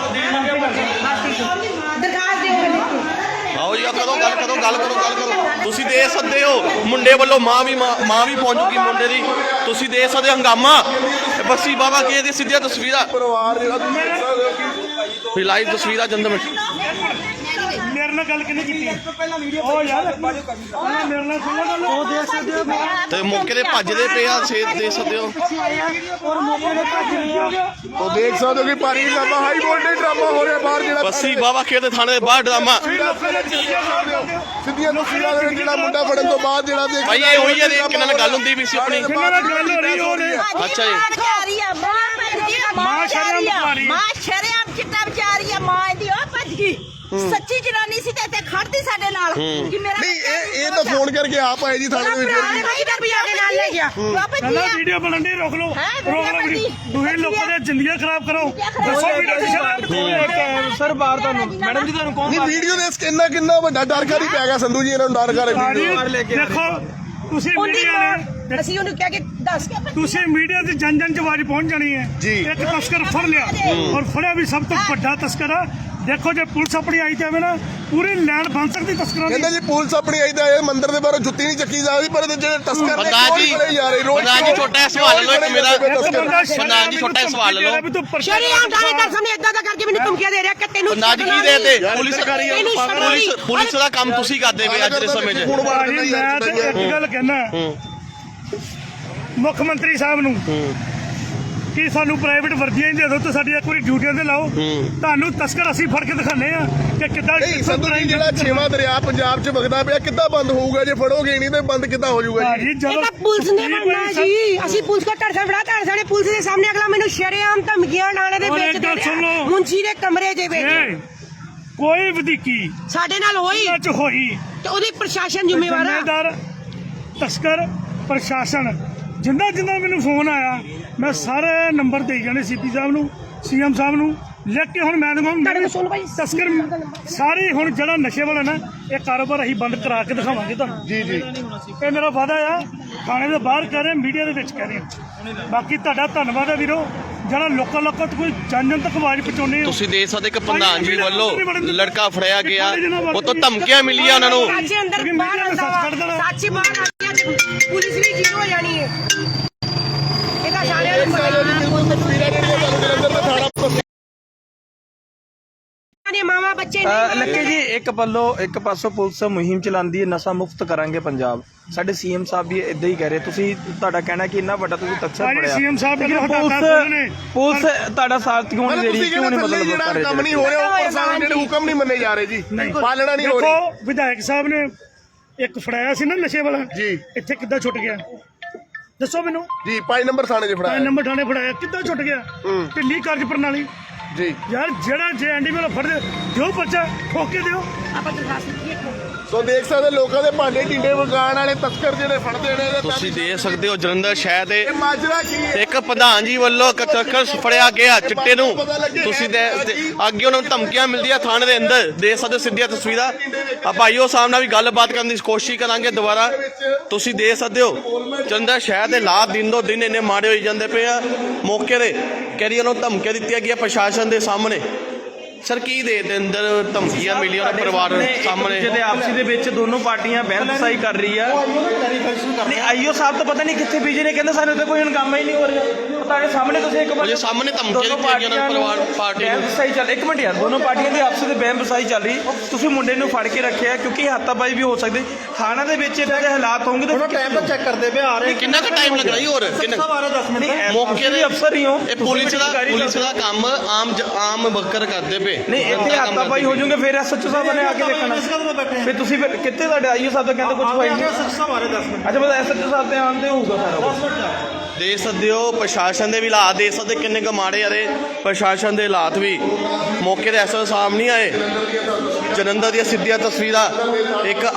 S1: ਦਰਖਾਸਤ ਦਿਓ।
S2: ਆਓ ਜੀ ਗੱਲ ਕਰੋ। ਤੁਸੀਂ ਦੇਖ ਸਕਦੇ ਹੋ ਮੁੰਡੇ ਵੱਲੋਂ ਮਾਂ ਵੀ ਪਹੁੰਚ ਚੁੱਕੀ ਮੁੰਡੇ ਦੀ। ਤੁਸੀਂ ਦੇਖ ਸਕਦੇ ਹੋ ਹੰਗਾਮਾ ਬੱਸੀ ਬਾਬਾ ਕੇ ਦੀ ਸਿੱਧੀਆਂ ਤਸਵੀਰਾਂ,
S5: ਪਰਿਵਾਰ ਜਿਹੜਾ ਤੁਸੀਂ ਦੇਖ ਸਕਦੇ ਹੋ
S2: ਲਾਈਵ ਤਸਵੀਰਾਂ ਜਲੰਧਰ
S4: ਮੇਰੇ ਨਾਲ ਗੱਲ ਕਿੰਨੇ ਕੀਤੀ? ਉਹ ਯਾਰ ਮੇਰੇ ਨਾਲ ਸੁਣੋ ਗੱਲ।
S6: ਉਹ ਦੇਖ ਸਕਦੇ ਹੋ
S2: ਤੇ ਮੌਕੇ ਤੇ ਭੱਜਦੇ ਪਏ ਆ, ਸੇਧ ਦੇਖ ਸਕਦੇ ਹੋ।
S6: ਔਰ ਮੌਕੇ ਤੇ ਭੱਜ ਰਹੇ ਆ।
S5: ਉਹ ਦੇਖ ਸਕਦੇ ਹੋ ਕਿ ਭਾਰੀ ਡਰਾਮਾ ਹਾਈ ਵੋਲਟੇਜ ਡਰਾਮਾ ਹੋ ਰਿਹਾ ਬਾਹਰ ਜਿਹੜਾ
S2: ਬੱਸੀ ਬਾਬਾ ਖੇਡ ਦੇ ਥਾਣੇ ਦੇ ਬਾਹਰ ਡਰਾਮਾ।
S5: ਸਿੱਧੀਆਂ ਤਸਵੀਰਾਂ ਦੇ ਵਿੱਚ ਜਿਹੜਾ ਮੁੰਡਾ ਫੜਨ ਤੋਂ ਬਾਅਦ ਜਿਹੜਾ ਦੇਖ
S2: ਭਾਈ ਇਹ ਹੋਈ ਆ ਕਿੰਨਾਂ ਨਾਲ ਗੱਲ ਹੁੰਦੀ ਵੀ ਸੀ ਆਪਣੀ।
S4: ਕਿੰਨਾਂ ਨਾਲ ਗੱਲ ਹੋ ਰਹੀ ਉਹਨੇ?
S2: ਅੱਛਾ ਜੀ।
S4: ਮਾਂ
S7: ਸ਼ਰਮ ਚਿੱਟਾ ਵਿਚਾਰੀ ਆ, ਮਾਂ ਇਹਦੀ ਉਹ ਭੱਜ ਗਈ। ਸੱਚੀ ਜਨਾਨੀ ਸੀ ਤੇ ਇੱਥੇ ਖੜਦੀ ਸਾਡੇ ਨਾਲ ਕਿ ਮੇਰਾ
S5: ਨਹੀਂ ਇਹ ਤਾਂ ਫੋਨ ਕਰਕੇ ਆਪ ਆਏ ਜੀ ਥਾਣੇ ਦੇ ਵਿੱਚ
S1: ਨਾਲ ਲੈ ਗਿਆ।
S4: ਕਹਿੰਦਾ ਵੀਡੀਓ ਬਣਨ ਦੀ ਰੋਕ ਲਓ ਵੀਡੀਓ। ਤੁਸੀਂ ਲੋਕਾਂ ਦੀਆਂ ਜ਼ਿੰਦਗੀਆਂ ਖਰਾਬ ਕਰੋ। ਦੱਸੋ ਵੀਡੀਓ ਦੀ ਸ਼ਰਾਬ
S8: ਸਰ ਬਾਹਰ ਤੁਹਾਨੂੰ ਮੈਡਮ ਜੀ ਤੁਹਾਨੂੰ ਕੌਣ
S5: ਨਹੀਂ ਵੀਡੀਓ ਦੇ ਕਿੰਨਾ ਵੱਡਾ ਡਰ ਕਾਹਦੀ ਪੈ ਗਿਆ ਸੰਧੂ ਜੀ ਇਹਨਾਂ ਨੂੰ ਡਰ ਕਰ
S4: ਦੇਖੋ ਤੁਸੀਂ ਮੀਡੀਆ ਨੇ
S1: ਅਸੀਂ ਉਹਨੂੰ ਕਹਿ ਕੇ ਦੱਸ ਕੇ
S4: ਤੁਸੀਂ ਮੀਡੀਆ ਦੀ ਜਨ ਚ ਆਵਾਜ਼ ਪਹੁੰਚ ਜਾਣੀ ਹੈ
S1: ਜੀ।
S4: ਇੱਕ ਤਸਕਰ ਫੜ ਲਿਆ ਔਰ ਫੜਿਆ ਵੀ ਸਭ ਤੋਂ ਵੱਡਾ ਤਸਕਰ ਆ। ਦੇਖੋ ਜੇ ਪੁਲਿਸ ਆਪਣੀ ਆਈ ਜਾਵੇ ਨਾ ਪੂਰੀ ਲੈਣ ਬਣ ਸਕਦੀ ਤਸਕਰਾਂ ਦੀ।
S5: ਕਹਿੰਦੇ ਜੀ ਪੁਲਿਸ ਆਪਣੀ ਆਈ ਤਾਂ ਇਹ ਮੰਦਿਰ ਦੇ ਬਾਹਰੋਂ ਜੁੱਤੀ ਨਹੀਂ ਚੱਕੀ ਜਾ ਰਹੀ ਪਰ ਜਿਹੜੇ ਤਸਕਰ ਨੇ
S2: ਪ੍ਰਧਾਨ ਜੀ ਛੋਟਾ ਸਵਾਲ ਲਓ ਇੱਕ ਮੇਰਾ। ਪ੍ਰਧਾਨ ਜੀ ਛੋਟਾ ਸਵਾਲ ਲਓ।
S1: ਸ਼ਰੀਆਮ ਥਾਣੇਦਾਰ ਸਾਹਮਣੇ ਇਦਾਂ ਦਾ ਕਰਕੇ ਮੈਨੂੰ ਧਮਕੀਆਂ ਦੇ ਰਿਹਾ ਕਿ ਤੈਨੂੰ
S2: ਪ੍ਰਧਾਨ ਜੀ ਕੀ ਦੇ ਤੇ ਪੁਲਿਸ ਦਾ ਕੰਮ ਤੁਸੀਂ ਕਰਦੇ ਪਏ ਅੱਜ ਦੇ ਸਮੇਂ 'ਚ।
S4: ਮੈਂ ਤੇ ਇੱਕ ਗੱਲ ਕਹਿਣਾ ਮੁੱਖ ਮੰਤਰੀ ਸਾਹਿਬ ਨੂੰ ਕਿ ਸਾਨੂੰ ਪ੍ਰਾਈਵੇਟ ਵਰਦੀਆਂ ਹੀ ਦੇ ਦਿਓ ਤੇ ਸਾਡੀ ਇੱਕ ਵਾਰੀ ਡਿਊਟੀਆਂ ਤੇ ਲਾਓ। ਤੁਹਾਨੂੰ ਤਸਕਰ ਅਸੀਂ ਫੜ ਕੇ ਦਿਖਾਣੇ ਆ ਕਿ ਕਿੱਦਾਂ
S5: ਸੰਧੂ ਜੀ ਜਿਹੜਾ 6ਵਾਂ ਦਰਿਆ ਪੰਜਾਬ 'ਚ ਵਗਦਾ ਪਿਆ ਕਿੱਦਾਂ ਬੰਦ ਹੋਊਗਾ ਜੇ ਫੜੋਗੇ ਨਹੀਂ ਤੇ ਬੰਦ ਕਿੱਦਾਂ ਹੋ ਜਾਊਗਾ ਜੀ?
S1: ਇਹ ਤਾਂ ਪੁਲਿਸ ਨੇ ਬਣਨਾ ਜੀ। ਅਸੀਂ ਪੁਲਿਸ ਕੋ ਟੜਸਾ ਫੜਾ ਟੜਸਾ ਨੇ ਪੁਲਿਸ ਦੇ ਸਾਹਮਣੇ ਅਗਲਾ ਮੈਨੂੰ ਸ਼ਰੇਆਮ ਧਮਕੀਆਂ ਲਾਣੇ ਦੇ ਵਿੱਚ ਦੇ ਰਿਹਾ ਮੁੰਸ਼ੀ ਦੇ ਕਮਰੇ ਦੇ ਵਿੱਚ
S4: ਕੋਈ ਵਧੀਕੀ
S1: ਸਾਡੇ ਨਾਲ ਹੋਈ
S4: ਹੋਈ
S1: ਤੇ ਉਹਦੀ ਪ੍ਰਸ਼ਾਸਨ ਜ਼ਿੰਮੇਵਾਰ ਆ।
S4: ਜ਼ਿੰਮੇਦਾਰ ਤਸਕਰ ਪ੍ਰਸ਼ਾਸਨ ਜਿੰਨਾ ਮੈਨੂੰ ਫੋਨ ਆਇਆ ਮੈਂ ਸਾਰੇ ਨੰਬਰ ਦੇਈ ਜਾਣੇ ਸੀਪੀ ਸਾਹਿਬ ਨੂੰ, ਸੀਐਮ ਸਾਹਿਬ ਨੂੰ ਲਿਖ ਕੇ। ਹੁਣ ਮੈਂ ਤਸਕਰ ਸਾਰੇ ਹੁਣ ਜਿਹੜਾ ਨਸ਼ੇ ਵਾਲਾ ਨਾ ਇਹ ਕਾਰੋਬਾਰ ਅਸੀਂ ਬੰਦ ਕਰਾ ਕੇ ਦਿਖਾਵਾਂਗੇ ਤੁਹਾਨੂੰ।
S5: ਜੀ ਜੀ
S4: ਇਹ ਮੇਰਾ ਵਾਅਦਾ ਆ, ਥਾਣੇ ਦੇ ਬਾਹਰ ਕਹਿ ਰਹੇ, ਮੀਡੀਆ ਦੇ ਵਿੱਚ ਕਹਿ ਰਹੇ। ਬਾਕੀ ਤੁਹਾਡਾ ਧੰਨਵਾਦ ਹੈ ਵੀਰੋ, ਜਿਹੜਾ ਲੋਕਾਂ ਤੱਕ ਕੋਈ ਜਨ ਤੱਕ ਆਵਾਜ਼ ਪਹੁੰਚਾਉਂਦੇ ਹੋ।
S2: ਤੁਸੀਂ ਦੇਖ ਸਕਦੇ ਇੱਕ ਪ੍ਰਧਾਨ ਜੀ ਵੱਲੋਂ ਲੜਕਾ ਫੜਿਆ ਗਿਆ, ਉਹ ਤੋਂ ਧਮਕੀਆਂ ਮਿਲੀਆਂ ਉਹਨਾਂ ਨੂੰ।
S1: ਸੱਚੇ ਅੰਦਰ ਬਾਹਰ ਆਉਂਦਾ ਵਾ, ਸੱਚ ਬਾਹਰ ਆ ਗਿਆ, ਪੁਲਿਸ ਵੀ ਜ਼ੀਰੋ ਹੋ ਜਾਣੀ ਹੈ। ਇਹਦਾ ਸਾਰਿਆਂ ਨੂੰ ਮਾਮਾ ਬੱਚੇ ਨਹੀਂ
S8: ਲੱਕੇ ਜੀ ਇੱਕ ਪਾਸੋਂ ਪੁਲਿਸ ਮੁਹਿੰਮ ਚਲਾਉਂਦੀ ਹੈ ਨਸ਼ਾ ਮੁਕਤ ਕਰਾਂਗੇ ਪੰਜਾਬ। ਸਾਡੇ ਸੀਐਮ ਸਾਹਿਬ ਵੀ ਇਦਾਂ ਹੀ ਕਹਿ ਰਹੇ। ਤੁਸੀਂ ਤੁਹਾਡਾ ਕਹਿਣਾ ਕਿ ਇੰਨਾ ਵੱਡਾ ਤੁਸੀਂ ਤੱਕਾ ਪੜਿਆ,
S4: ਸੀਐਮ ਸਾਹਿਬ
S8: ਪੁਲਿਸ ਤੁਹਾਡਾ ਸਾਥ ਕਿਉਂ ਨਹੀਂ ਦੇ ਰਹੀ, ਕਿਉਂ ਨਹੀਂ ਮਤਲਬ ਕਰ
S5: ਕੰਮ ਨਹੀਂ ਹੋ ਰਿਹਾ, ਉੱਪਰ ਸਾਨੂੰ ਜਿਹੜੇ ਹੁਕਮ ਨਹੀਂ ਮੰਨੇ ਜਾ ਰਹੇ ਜੀ, ਪਾਲਣਾ ਨਹੀਂ ਹੋ ਰਹੀ।
S4: ਦੇਖੋ ਵਿਧਾਇਕ ਸਾਹਿਬ ਨੇ ਇੱਕ ਫੜਾਇਆ ਸੀ ਨਾ ਨਸ਼ੇ ਵਾਲਾ
S5: ਜੀ,
S4: ਇੱਥੇ ਕਿੱਦਾਂ ਛੁੱਟ ਗਿਆ ਦੱਸੋ ਮੈਨੂੰ
S5: ਜੀ 5 ਨੰਬਰ ਥਾਣੇ 'ਚ ਫੜਾਇਆ,
S4: 5 ਨੰਬਰ ਥਾਣੇ ਫੜਾਇਆ, ਕਿੱਦਾਂ ਛੁੱਟ ਗਿਆ? ਢਿੱਲੀ ਕਾਰਜ ਪ੍ਰਣਾਲੀ
S5: ਜੀ।
S4: ਯਾਰ ਜਿਹੜਾ ਜੇ ਐਂਡੀ ਵਾਲਾ ਫੜਦੇ ਦਿਓ ਬੱਚਾ ਠੋਕ ਕੇ ਦਿਓ।
S1: ਆਪਾਂ ਦਰਖਾਸਤ ਲਿਖੀਏ।
S5: ਸੋ ਦੇਖ ਸਕਦੇ ਲੋਕਾਂ ਦੇ ਭਾਂਡੇ ਢਿੰਡੇ ਵਗਾਉਣ ਵਾਲੇ ਤਸਕਰ ਜਿਹੜੇ ਫੜਦੇ ਨੇ।
S2: ਤੁਸੀਂ ਦੇਖ ਸਕਦੇ ਹੋ ਜਲੰਧਰ ਸ਼ਹਿਰ ਦੇ
S5: ਇਹ ਮਾਜਰਾ ਕੀ ਹੈ?
S2: ਇੱਕ ਪ੍ਰਧਾਨ ਜੀ ਵੱਲੋਂ ਤਸਕਰ ਫੜਿਆ ਗਿਆ ਚਿੱਟੇ ਨੂੰ। ਤੁਸੀਂ ਅੱਗੇ ਉਹਨਾਂ ਨੂੰ ਧਮਕੀਆਂ ਮਿਲਦੀਆਂ ਥਾਣੇ ਦੇ ਅੰਦਰ, ਦੇਖ ਸਕਦੇ ਹੋ ਸਿੱਧੀਆਂ ਤਸਵੀਰਾਂ। ਆ ਭਾਈਓ ਸਾਹਿਬ ਨਾਲ ਵੀ ਗੱਲਬਾਤ ਕਰਨ ਦੀ ਕੋਸ਼ਿਸ਼ ਕਰਾਂਗੇ ਦੁਬਾਰਾ। ਤੁਸੀਂ ਦੇਖ ਸਕਦੇ ਹੋ ਜਲੰਧਰ ਸ਼ਹਿਰ ਦੇ ਹਾਲਾਤ ਦਿਨ ਦੋ ਦਿਨ ਇੰਨੇ ਮਾੜੇ ਹੋਈ ਜਾਂਦੇ ਪਏ ਆ। ਮੌਕੇ ਦੇ ਕਹਿ ਉਹਨਾਂ ਨੂੰ ਧਮਕੀਆਂ ਦਿੱਤੀਆਂ ਗਈਆਂ ਪ੍ਰਸ਼ਾਸਨ ਦੇ ਸਾਹਮਣੇ। ਸਰ ਕੀ ਦੇ ਅੰਦਰ ਧਮਕੀਆਂ ਮਿਲੀਆਂ ਉਹਨਾਂ ਪਰਿਵਾਰ ਸਾਹਮਣੇ?
S8: ਜਿਹਦੇ ਆਪਸੀ ਦੇ ਵਿੱਚ ਦੋਨੋਂ ਪਾਰਟੀਆਂ ਬਹਿਸਬਾਜ਼ੀ ਕਰ ਰਹੀ ਆ। ਨਹੀਂ ਆਈਓ ਸਾਹਿਬ ਤਾਂ ਪਤਾ ਨਹੀਂ ਕਿੱਥੇ ਬੀਜੇ ਨੇ, ਕਹਿੰਦੇ ਸਾਨੂੰ ਤਾਂ ਕੋਈ ਹੁਣ ਕੰਮ ਹੀ ਨਹੀਂ ਹੋ ਰਿਹਾ। ਤੁਹਾਡੇ ਸਾਹਮਣੇ ਤੁਸੀਂ ਇੱਕ ਵਾਰ
S2: ਸਾਹਮਣੇ ਧਮਕੀਆਂ ਦਿੱਤੀਆਂ ਗਈਆਂ ਉਹਨਾਂ ਪਰਿਵਾਰ ਪਾਰਟੀ ਨੂੰ।
S8: ਬਹਿਸਬਾਜ਼ੀ ਚੱਲ ਇੱਕ ਮਿੰਟ ਯਾਰ, ਦੋਨੋਂ ਪਾਰਟੀਆਂ ਦੀ ਆਪਸੀ ਦੇ ਬਹਿਸਬਾਜ਼ੀ ਚੱਲ ਰਹੀ। ਤੁਸੀਂ ਮੁੰਡੇ ਨੂੰ ਫੜ ਕੇ ਰੱਖਿਆ ਕਿਉਂਕਿ ਹੱਥਾਬਾਜ਼ੀ ਵੀ ਹੋ ਸਕਦੀ। ਥਾਣਾ ਦੇ ਵਿੱਚ ਇਦਾਂ ਦੇ ਹਾਲਾਤ ਹੋਣਗੇ ਤਾਂ
S9: ਟਾਈਮ ਤਾਂ ਚੈੱਕ ਕਰਦੇ ਪਏ ਆ ਰਹੇ।
S2: ਕਿੰਨਾ ਕੁ ਟਾਈਮ ਲੱਗਦਾ ਜੀ? ਹੋਰ ਕਿੰਨਾ
S9: 10 ਮਿੰਟ
S2: ਮੌਕੇ ਦੇ
S8: ਅਫਸਰ ਹੀ ਹੋ।
S2: ਇਹ ਪੁਲਿਸ ਦਾ ਕੰਮ ਆਮ ਵਰਕਰ ਕਰਦੇ ਪਏ।
S8: ਨਹੀਂ ਇੱਥੇ ਹੱਥਾਬਾਜ਼ੀ ਹੋ ਜਾਊਗੇ ਫਿਰ ਐਸਐਚਓ ਸਾਹਿਬ ਨੇ ਆ ਕੇ ਦੇਖਣਾ। ਫਿਰ ਤੁਸੀਂ ਫਿਰ ਕਿੱਥੇ ਤੁਹਾਡੇ ਆਈਓ ਸਾਹਿਬ ਦਾ ਕਹਿੰਦੇ ਕੁਝ ਹੋਈ ਨਹੀਂ। ਅੱਛਾ ਬਸ ਐਸਐਚਓ ਸਾਹਿਬ ਤੇ ਆਉਣ ਤੇ ਹੋਊਗਾ ਸਾਰਾ ਕੁਝ।
S2: ਦੇਖ ਸਕਦੇ ਹੋ ਪ੍ਰਸ਼ਾਸਨ ਦੇ ਵੀ ਹਾਲਾਤ ਦੇਖ ਸਕਦੇ ਕਿੰਨੇ ਕੁ ਮਾੜੇ ਆ ਰਹੇ। ਪ੍ਰਸ਼ਾਸਨ ਦੇ ਹਾਲਾਤ ਵੀ ਮੌਕੇ ਦੇ ਐਸਐਚਓ ਸਾਹਿਬ ਨਹੀਂ ਆਏ। ਜਲੰਧਰ ਦੀਆਂ ਸਿੱਧੀਆਂ ਤਸਵੀਰਾਂ, ਇੱਕ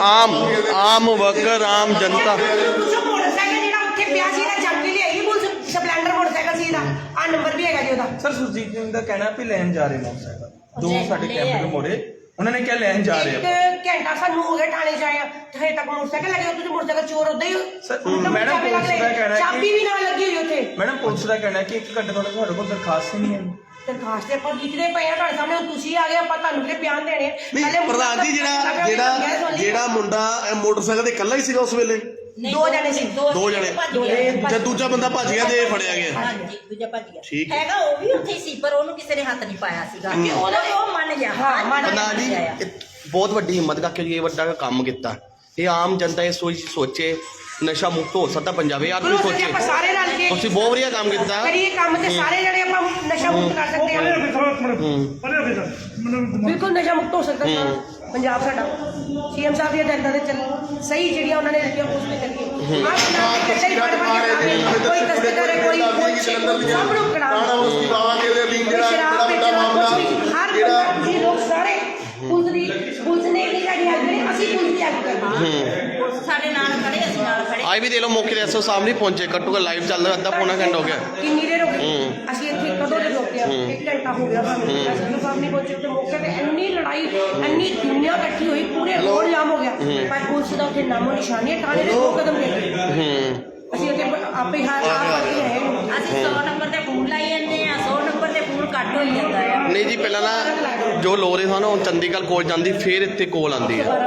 S2: ਆਮ ਵਰਕਰ, ਆਮ ਜਨਤਾ।
S1: ਮੋਟਰਸਾਈਕਲ ਜਿਹੜਾ ਉੱਥੇ ਪਿਆ ਸੀ ਇਹਦਾ ਚੱਕ ਕੇ ਲਿਆਈ ਪੁਲਿਸ। ਸਪਲੈਂਡਰ ਮੋਟਰਸਾਈਕਲ ਸੀ ਇਹਦਾ, ਆ ਨੰਬਰ ਵੀ ਹੈਗਾ ਜੀ ਉਹਦਾ।
S8: ਸਰ ਸੁਰਜੀਤ ਸਿੰਘ ਦਾ ਕਹਿਣਾ ਵੀ ਲੈਣ ਜਾ ਰਹੇ ਮੋਟਰਸਾਈਕਲ ਦੋ ਸਾਡੇ ਕੈਂਪ ਦੇ ਮੋਰੇ, ਉਹਨਾਂ ਨੇ ਕਿਹਾ ਲੈਣ ਜਾ ਰਹੇ ਆ।
S1: ਇੱਕ ਘੰਟਾ ਸਾਨੂੰ ਹੋ ਗਿਆ ਥਾਣੇ ਚ ਆਇਆ, ਹਜੇ ਤੱਕ ਮੋਟਰਸਾਈਕਲ ਲੱਗੇ। ਤੁਸੀਂ ਮੋਟਰਸਾਈਕਲ ਚੋਰ ਉਦਾਂ ਹੀ
S8: ਮੈਡਮ ਪੁਲਿਸ ਦਾ ਕਹਿਣਾ
S1: ਚਾਬੀ ਵੀ ਨਾਲ ਲੱਗੀ ਹੋਈ ਉੱਥੇ।
S8: ਮੈਡਮ ਪੁਲਿਸ ਦਾ ਕਹਿਣਾ ਕਿ 1 ਘੰਟੇ ਤੋਂ ਸਾਡੇ ਕੋਲ ਦਰਖਾਸਤ ਹੀ ਨਹੀਂ ਹੈ।
S1: ਦਰਖਾਸਤ ਆਪਾਂ ਲਿਖਦੇ ਪਏ ਆ ਤੁਹਾਡੇ ਸਾਹਮਣੇ, ਹੁਣ ਤੁਸੀਂ ਆ ਗਏ, ਆਪਾਂ ਤੁਹਾਨੂੰ ਕਿਹੜੇ ਬਿਆਨ ਦੇਣੇ ਆ?
S5: ਨਹੀਂ ਪ੍ਰਧਾਨ ਜੀ ਜਿਹੜਾ ਮੁੰਡਾ ਮੋਟਰਸਾਈਕਲ ਤੇ ਇਕੱਲਾ ਹੀ ਸੀਗਾ ਉਸ ਵੇਲੇ?
S1: ਦੋ ਜਣੇ ਸੀ।
S5: ਦੋ ਜਣੇ ਤੇ ਦੂਜਾ ਬੰਦਾ ਭੱਜ ਗਿਆ ਤੇ ਫੜਿਆ ਗਿਆ।
S7: ਹਾਂਜੀ ਦੂਜਾ ਭੱਜ ਗਿਆ
S5: ਠੀਕ
S7: ਹੈਗਾ, ਉਹ ਵੀ ਉੱਥੇ ਹੀ ਸੀ ਪਰ ਉਹਨੂੰ ਕਿਸੇ ਨੇ ਹੱਥ ਨਹੀਂ ਪਾਇਆ ਸੀਗਾ। ਉਹ ਮੰਨ ਗਿਆ।
S2: ਪ੍ਰਧਾਨ ਜੀ ਬਹੁਤ ਵੱਡੀ ਹਿੰਮਤ ਕਰਕੇ ਇਹ ਵੱਡਾ ਕੰਮ ਕੀਤਾ। ਇਹ ਆਮ ਜਨਤਾ ਇਹ ਸੋਚੇ ਨਸ਼ਾ ਮੁਕਤ ਹੋ ਸਕਦਾ ਪੰਜਾਬ। ਯਾਰ ਤੁਸੀਂ ਸੋਚੇ
S1: ਆਪਾਂ ਸਾਰੇ ਰਲ ਕੇ
S2: ਤੁਸੀਂ ਬਹੁਤ ਵਧੀਆ ਕੰਮ ਕੀਤਾ।
S1: ਕਰੀਏ ਕੰਮ ਤੇ ਸਾਰੇ ਜਣੇ ਆਪਾਂ ਨਸ਼ਾ ਮੁਕਤ ਕਰ ਸਕਦੇ ਆ। ਬਿਲਕੁਲ ਨਸ਼ਾ ਮੁਕਤ ਹੋ ਸਕਦਾ ਪੰਜਾਬ ਸਾਡਾ। ਸੀਐਮ ਸਾਹਿਬ ਦੀਆਂ ਹਦਾਇਤਾਂ ਦੇ ਚੱਲ ਸਹੀ ਜਿਹੜੀਆਂ ਉਹਨਾਂ ਨੇ ਲਿਖੀਆਂ ਉਸ ਤੇ ਚੱਲੀਏ। ਕੋਈ ਤਸਕਰ ਹੈ, ਕੋਈ ਸਭ ਨੂੰ ਕਰਾਉਣਾ। ਸ਼ਰਾਬ ਵੇਚਣਾ ਕੁਛ ਵੀ, ਹਰ ਬੰਦਾ ਜੀ ਲੋਕ ਸਾਰੇ ਪੁਲਿਸ ਨੇ ਨਹੀਂ ਸਾਡੀ ਹੈਲਪ ਕਰੀ, ਅਸੀਂ ਪੁਲਿਸ ਦੀ ਹੈਲਪ ਕਰਨੀ।
S7: ਸਾਡੇ ਨਾਲ ਖੜੇ, ਅਸੀਂ ਨਾਲ ਖੜੇ।
S2: ਆਈ ਵੀ ਦੇ ਲੋ ਮੌਕੇ ਦੇ ਐਸਓ ਸਾਹਿਬ ਨਹੀਂ ਪਹੁੰਚੇ। ਘੱਟੋ ਘੱਟ ਲਾਈਵ ਚੱਲ ਰਿਹਾ ਅੱਧਾ ਪੌਣਾ ਘੰਟਾ ਹੋ ਗਿਆ।
S1: ਕਿੰਨੀ ਦੇਰ ਹੋ ਗਈ ਅਸੀਂ ਇੱਥੇ ਕਦੋਂ ਦੇ ਰੋਕੇ ਆ? 1 ਘੰਟਾ ਹੋ ਗਿਆ ਸਾਨੂੰ। ਐਸਓ ਸਾਹਿਬ ਨਹੀਂ ਪਹੁੰਚੇ ਤੇ ਮੌਕੇ ਤੇ ਇੰਨੀ ਲੜਾਈ, ਇੰਨੀ ਦੁਨੀਆ ਇਕੱਠੀ ਹੋਈ, ਪੂਰੇ ਰੋਡ ਜਾਮ ਹੋ ਗਿਆ। ਪਰ ਪੁਲਿਸ ਦਾ ਉੱਥੇ ਨਾਮੋ ਨਿਸ਼ਾਨੀ ਹੈ। ਥਾਣੇ ਦੇ 2 ਕਦਮ ਲੈ ਅਸੀਂ ਉੱਥੇ ਆਪੇ ਆਪ ਕਰਕੇ ਆਏ।
S7: ਅਸੀਂ 100 ਨੰਬਰ ਤੇ ਫੋਨ ਲਾਈ ਜਾਂਦੇ ਆ, 100 ਨੰਬਰ ਤੇ ਫੋਨ ਕੱਟ ਹੋਈ ਜਾਂਦਾ ਆ।
S2: ਨਹੀਂ ਜੀ ਪਹਿਲਾਂ ਨਾ ਜੋ ਲੋਰੇ ਸਨ ਉਹ ਚੰਡੀਗੜ੍ਹ ਕੋਲ ਜਾਂਦੀ, ਫਿਰ ਇੱਥੇ ਕੋਲ ਆਉਂਦੀ ਹੈ।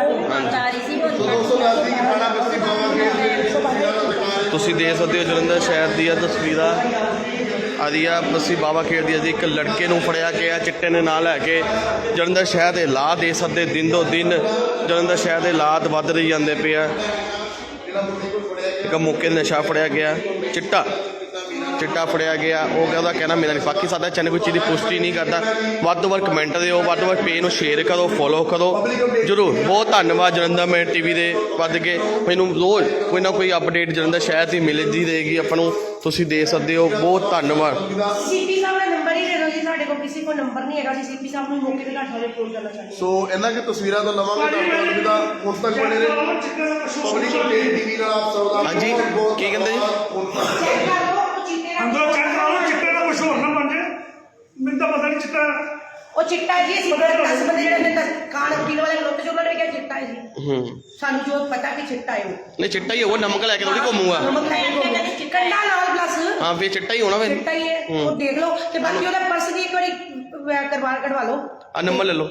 S2: ਤੁਸੀਂ ਦੇਖ ਸਕਦੇ ਹੋ ਜਲੰਧਰ ਸ਼ਹਿਰ ਦੀਆਂ ਤਸਵੀਰਾਂ ਆਦੀਆਂ ਬਸੀ ਬਾਬਾ ਖੇਡ ਦੀ। ਇੱਕ ਲੜਕੇ ਨੂੰ ਫੜਿਆ ਗਿਆ ਚਿੱਟੇ ਦੇ ਨਾਲ ਲੈ ਕੇ। ਜਲੰਧਰ ਸ਼ਹਿਰ ਦੇ ਹਾਲਾਤ ਦੇ ਸਕਦੇ ਦਿਨ ਦੋ ਦਿਨ ਜਲੰਧਰ ਸ਼ਹਿਰ ਦੇ ਹਾਲਾਤ ਵੱਧ ਰਹੀ ਜਾਂਦੇ ਪਏ ਆ। ਇੱਕ ਮੌਕੇ ਨਸ਼ਾ ਫੜਿਆ ਗਿਆ, ਚਿੱਟਾ ਫੜਿਆ ਗਿਆ। ਉਹ ਕਹਿੰਦਾ ਕਹਿਣਾ ਮੇਰਾ ਨਹੀਂ। ਬਾਕੀ ਸਾਡਾ ਚੈਨਲ ਕੋਈ ਚੀਜ਼ ਦੀ ਪੁਸ਼ਟੀ ਨਹੀਂ ਕਰਦਾ। ਵੱਧ ਤੋਂ ਵੱਧ ਕਮੈਂਟ ਦਿਓ, ਵੱਧ ਤੋਂ ਵੱਧ ਪੇਜ ਨੂੰ ਸ਼ੇਅਰ ਕਰੋ, ਫੋਲੋ ਕਰੋ ਜ਼ਰੂਰ। ਬਹੁਤ ਧੰਨਵਾਦ ਜਲੰਧਰ ਮੈਂ ਟੀਵੀ ਦੇ ਵੱਧ ਕੇ ਮੈਨੂੰ ਰੋਜ਼ ਕੋਈ ਨਾ ਕੋਈ ਅਪਡੇਟ ਜਲੰਧਰ ਸ਼ਹਿਰ ਦੀ ਮਿਲਦੀ ਰਹੇਗੀ ਆਪਾਂ ਨੂੰ। ਤੁਸੀਂ ਦੇਖ ਸਕਦੇ ਹੋ। ਬਹੁਤ ਧੰਨਵਾਦ।
S1: ਸੀਪੀ ਸਾਹਿਬ ਦਾ ਨੰਬਰ ਹੀ ਦੇ ਦਿਓ ਜੀ ਸਾਡੇ ਕੋਲ ਕਿਸੇ ਕੋਲ ਨੰਬਰ ਨਹੀਂ ਹੈਗਾ ਜੀ ਸੀਪੀ ਸਾਹਿਬ ਨੂੰ ਮੌਕੇ ਤੇ ਤੁਹਾਡੇ ਫੋਨ ਕਰਨਾ ਚਾਹੁੰਦੇ
S5: ਸੋ ਇਹਨਾਂ ਕੀ ਤਸਵੀਰਾਂ ਤੋਂ ਲਵਾਂਗੇ ਡਾਕਟਰ ਅਲਵਿਦਾ ਹੁਣ ਤੱਕ ਬਣੇ ਰਹੇ ਪਬਲਿਕ ਟੀਵੀ ਨਾਲ ਆਪ ਸਭ ਦਾ
S2: ਹਾਂਜੀ, ਕੀ ਕਹਿੰਦੇ ਜੀ?
S1: ਚੈੱਕ ਕਰ ਲਓ ਉਹ ਚਿੱਟੇ ਦਾ
S4: ਅੰਦਰੋਂ ਚੈੱਕ ਕਰਾ ਲਓ ਚਿੱਟੇ ਦਾ ਕੁਝ ਹੋਰ ਨਾ ਬਣ ਜਾਏ ਮੈਨੂੰ ਤਾਂ ਪਤਾ ਨਹੀਂ ਚਿੱਟਾ
S1: ਉਹ ਚਿੱਟਾ ਜੀ ਅਸੀਂ 10 ਬੰਦੇ ਜਿਹੜੇ ਨੇ ਕਾਨ ਪੀਣ ਵਾਲੇ ਲੋਕ ਉਹਨਾਂ ਨੇ ਕਿਹਾ ਚਿੱਟਾ ਹੈ ਜੀ ਸਾਨੂੰ ਜੋ ਪਤਾ ਕਿ ਚਿੱਟਾ ਹੈ ਉਹ
S2: ਨਹੀਂ ਚਿੱਟਾ ਹੀ ਉਹ ਨਮਕ ਲੈ ਕੇ ਥੋੜੀ ਘੁੰਮੂਗਾ।
S1: ਨਮਕ ਲੈ ਕੇ ਕੰਡਾ ਨਾਲ ਪਲੱਸ
S2: ਹਾਂ ਫਿਰ ਚਿੱਟਾ ਹੀ ਹੋਣਾ ਫਿਰ।
S1: ਚਿੱਟਾ ਹੀ ਹੈ ਉਹ ਦੇਖ ਲਓ ਤੇ ਬਾਕੀ ਉਹਦਾ ਪਰਸ ਦੀ ਇੱਕ ਵਾਰੀ ਕਢਵਾ ਲਓ।
S2: ਆ ਨੰਬਰ ਲੈ ਲਓ।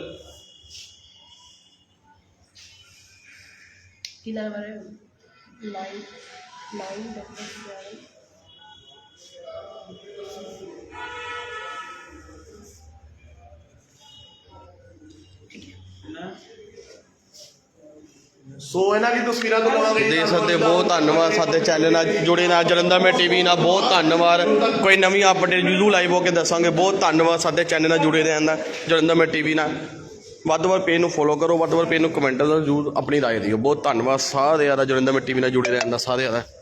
S1: ਕਿੰਨਾ ਨੰਬਰ ਹੈ 99
S5: ਸੋ ਇਹਨਾਂ ਦੀ ਤਸਵੀਰਾਂ ਤੋਂ ਲਵਾਂਗੇ
S2: ਦੇਖ ਸਕਦੇ ਬਹੁਤ ਧੰਨਵਾਦ ਸਾਡੇ ਚੈਨਲ ਨਾਲ ਜੁੜੇ ਨਾਲ ਜਲੰਧਰ ਮੈਂ ਟੀਵੀ ਨਾਲ ਬਹੁਤ ਧੰਨਵਾਦ। ਕੋਈ ਨਵੀਂ ਅਪਡੇਟ ਜ਼ਰੂਰ ਲਾਈਵ ਹੋ ਕੇ ਦੱਸਾਂਗੇ। ਬਹੁਤ ਧੰਨਵਾਦ ਸਾਡੇ ਚੈਨਲ ਨਾਲ ਜੁੜੇ ਰਹਿਣ ਦਾ ਜਲੰਧਰ ਮੈਂ ਟੀਵੀ ਨਾਲ। ਵੱਧ ਤੋਂ ਵੱਧ ਪੇਜ ਨੂੰ ਫੋਲੋ ਕਰੋ, ਵੱਧ ਤੋਂ ਵੱਧ ਪੇਜ ਨੂੰ ਕਮੈਂਟ ਜ਼ਰੂਰ ਆਪਣੀ ਰਾਏ ਦਿਓ। ਬਹੁਤ ਧੰਨਵਾਦ ਸਾਰਿਆਂ ਦਾ ਜਲੰਧਰ ਮੈਂ ਟੀਵੀ ਨਾਲ ਜੁੜੇ ਰਹਿਣ ਦਾ ਸਾਰਿਆਂ ਦਾ।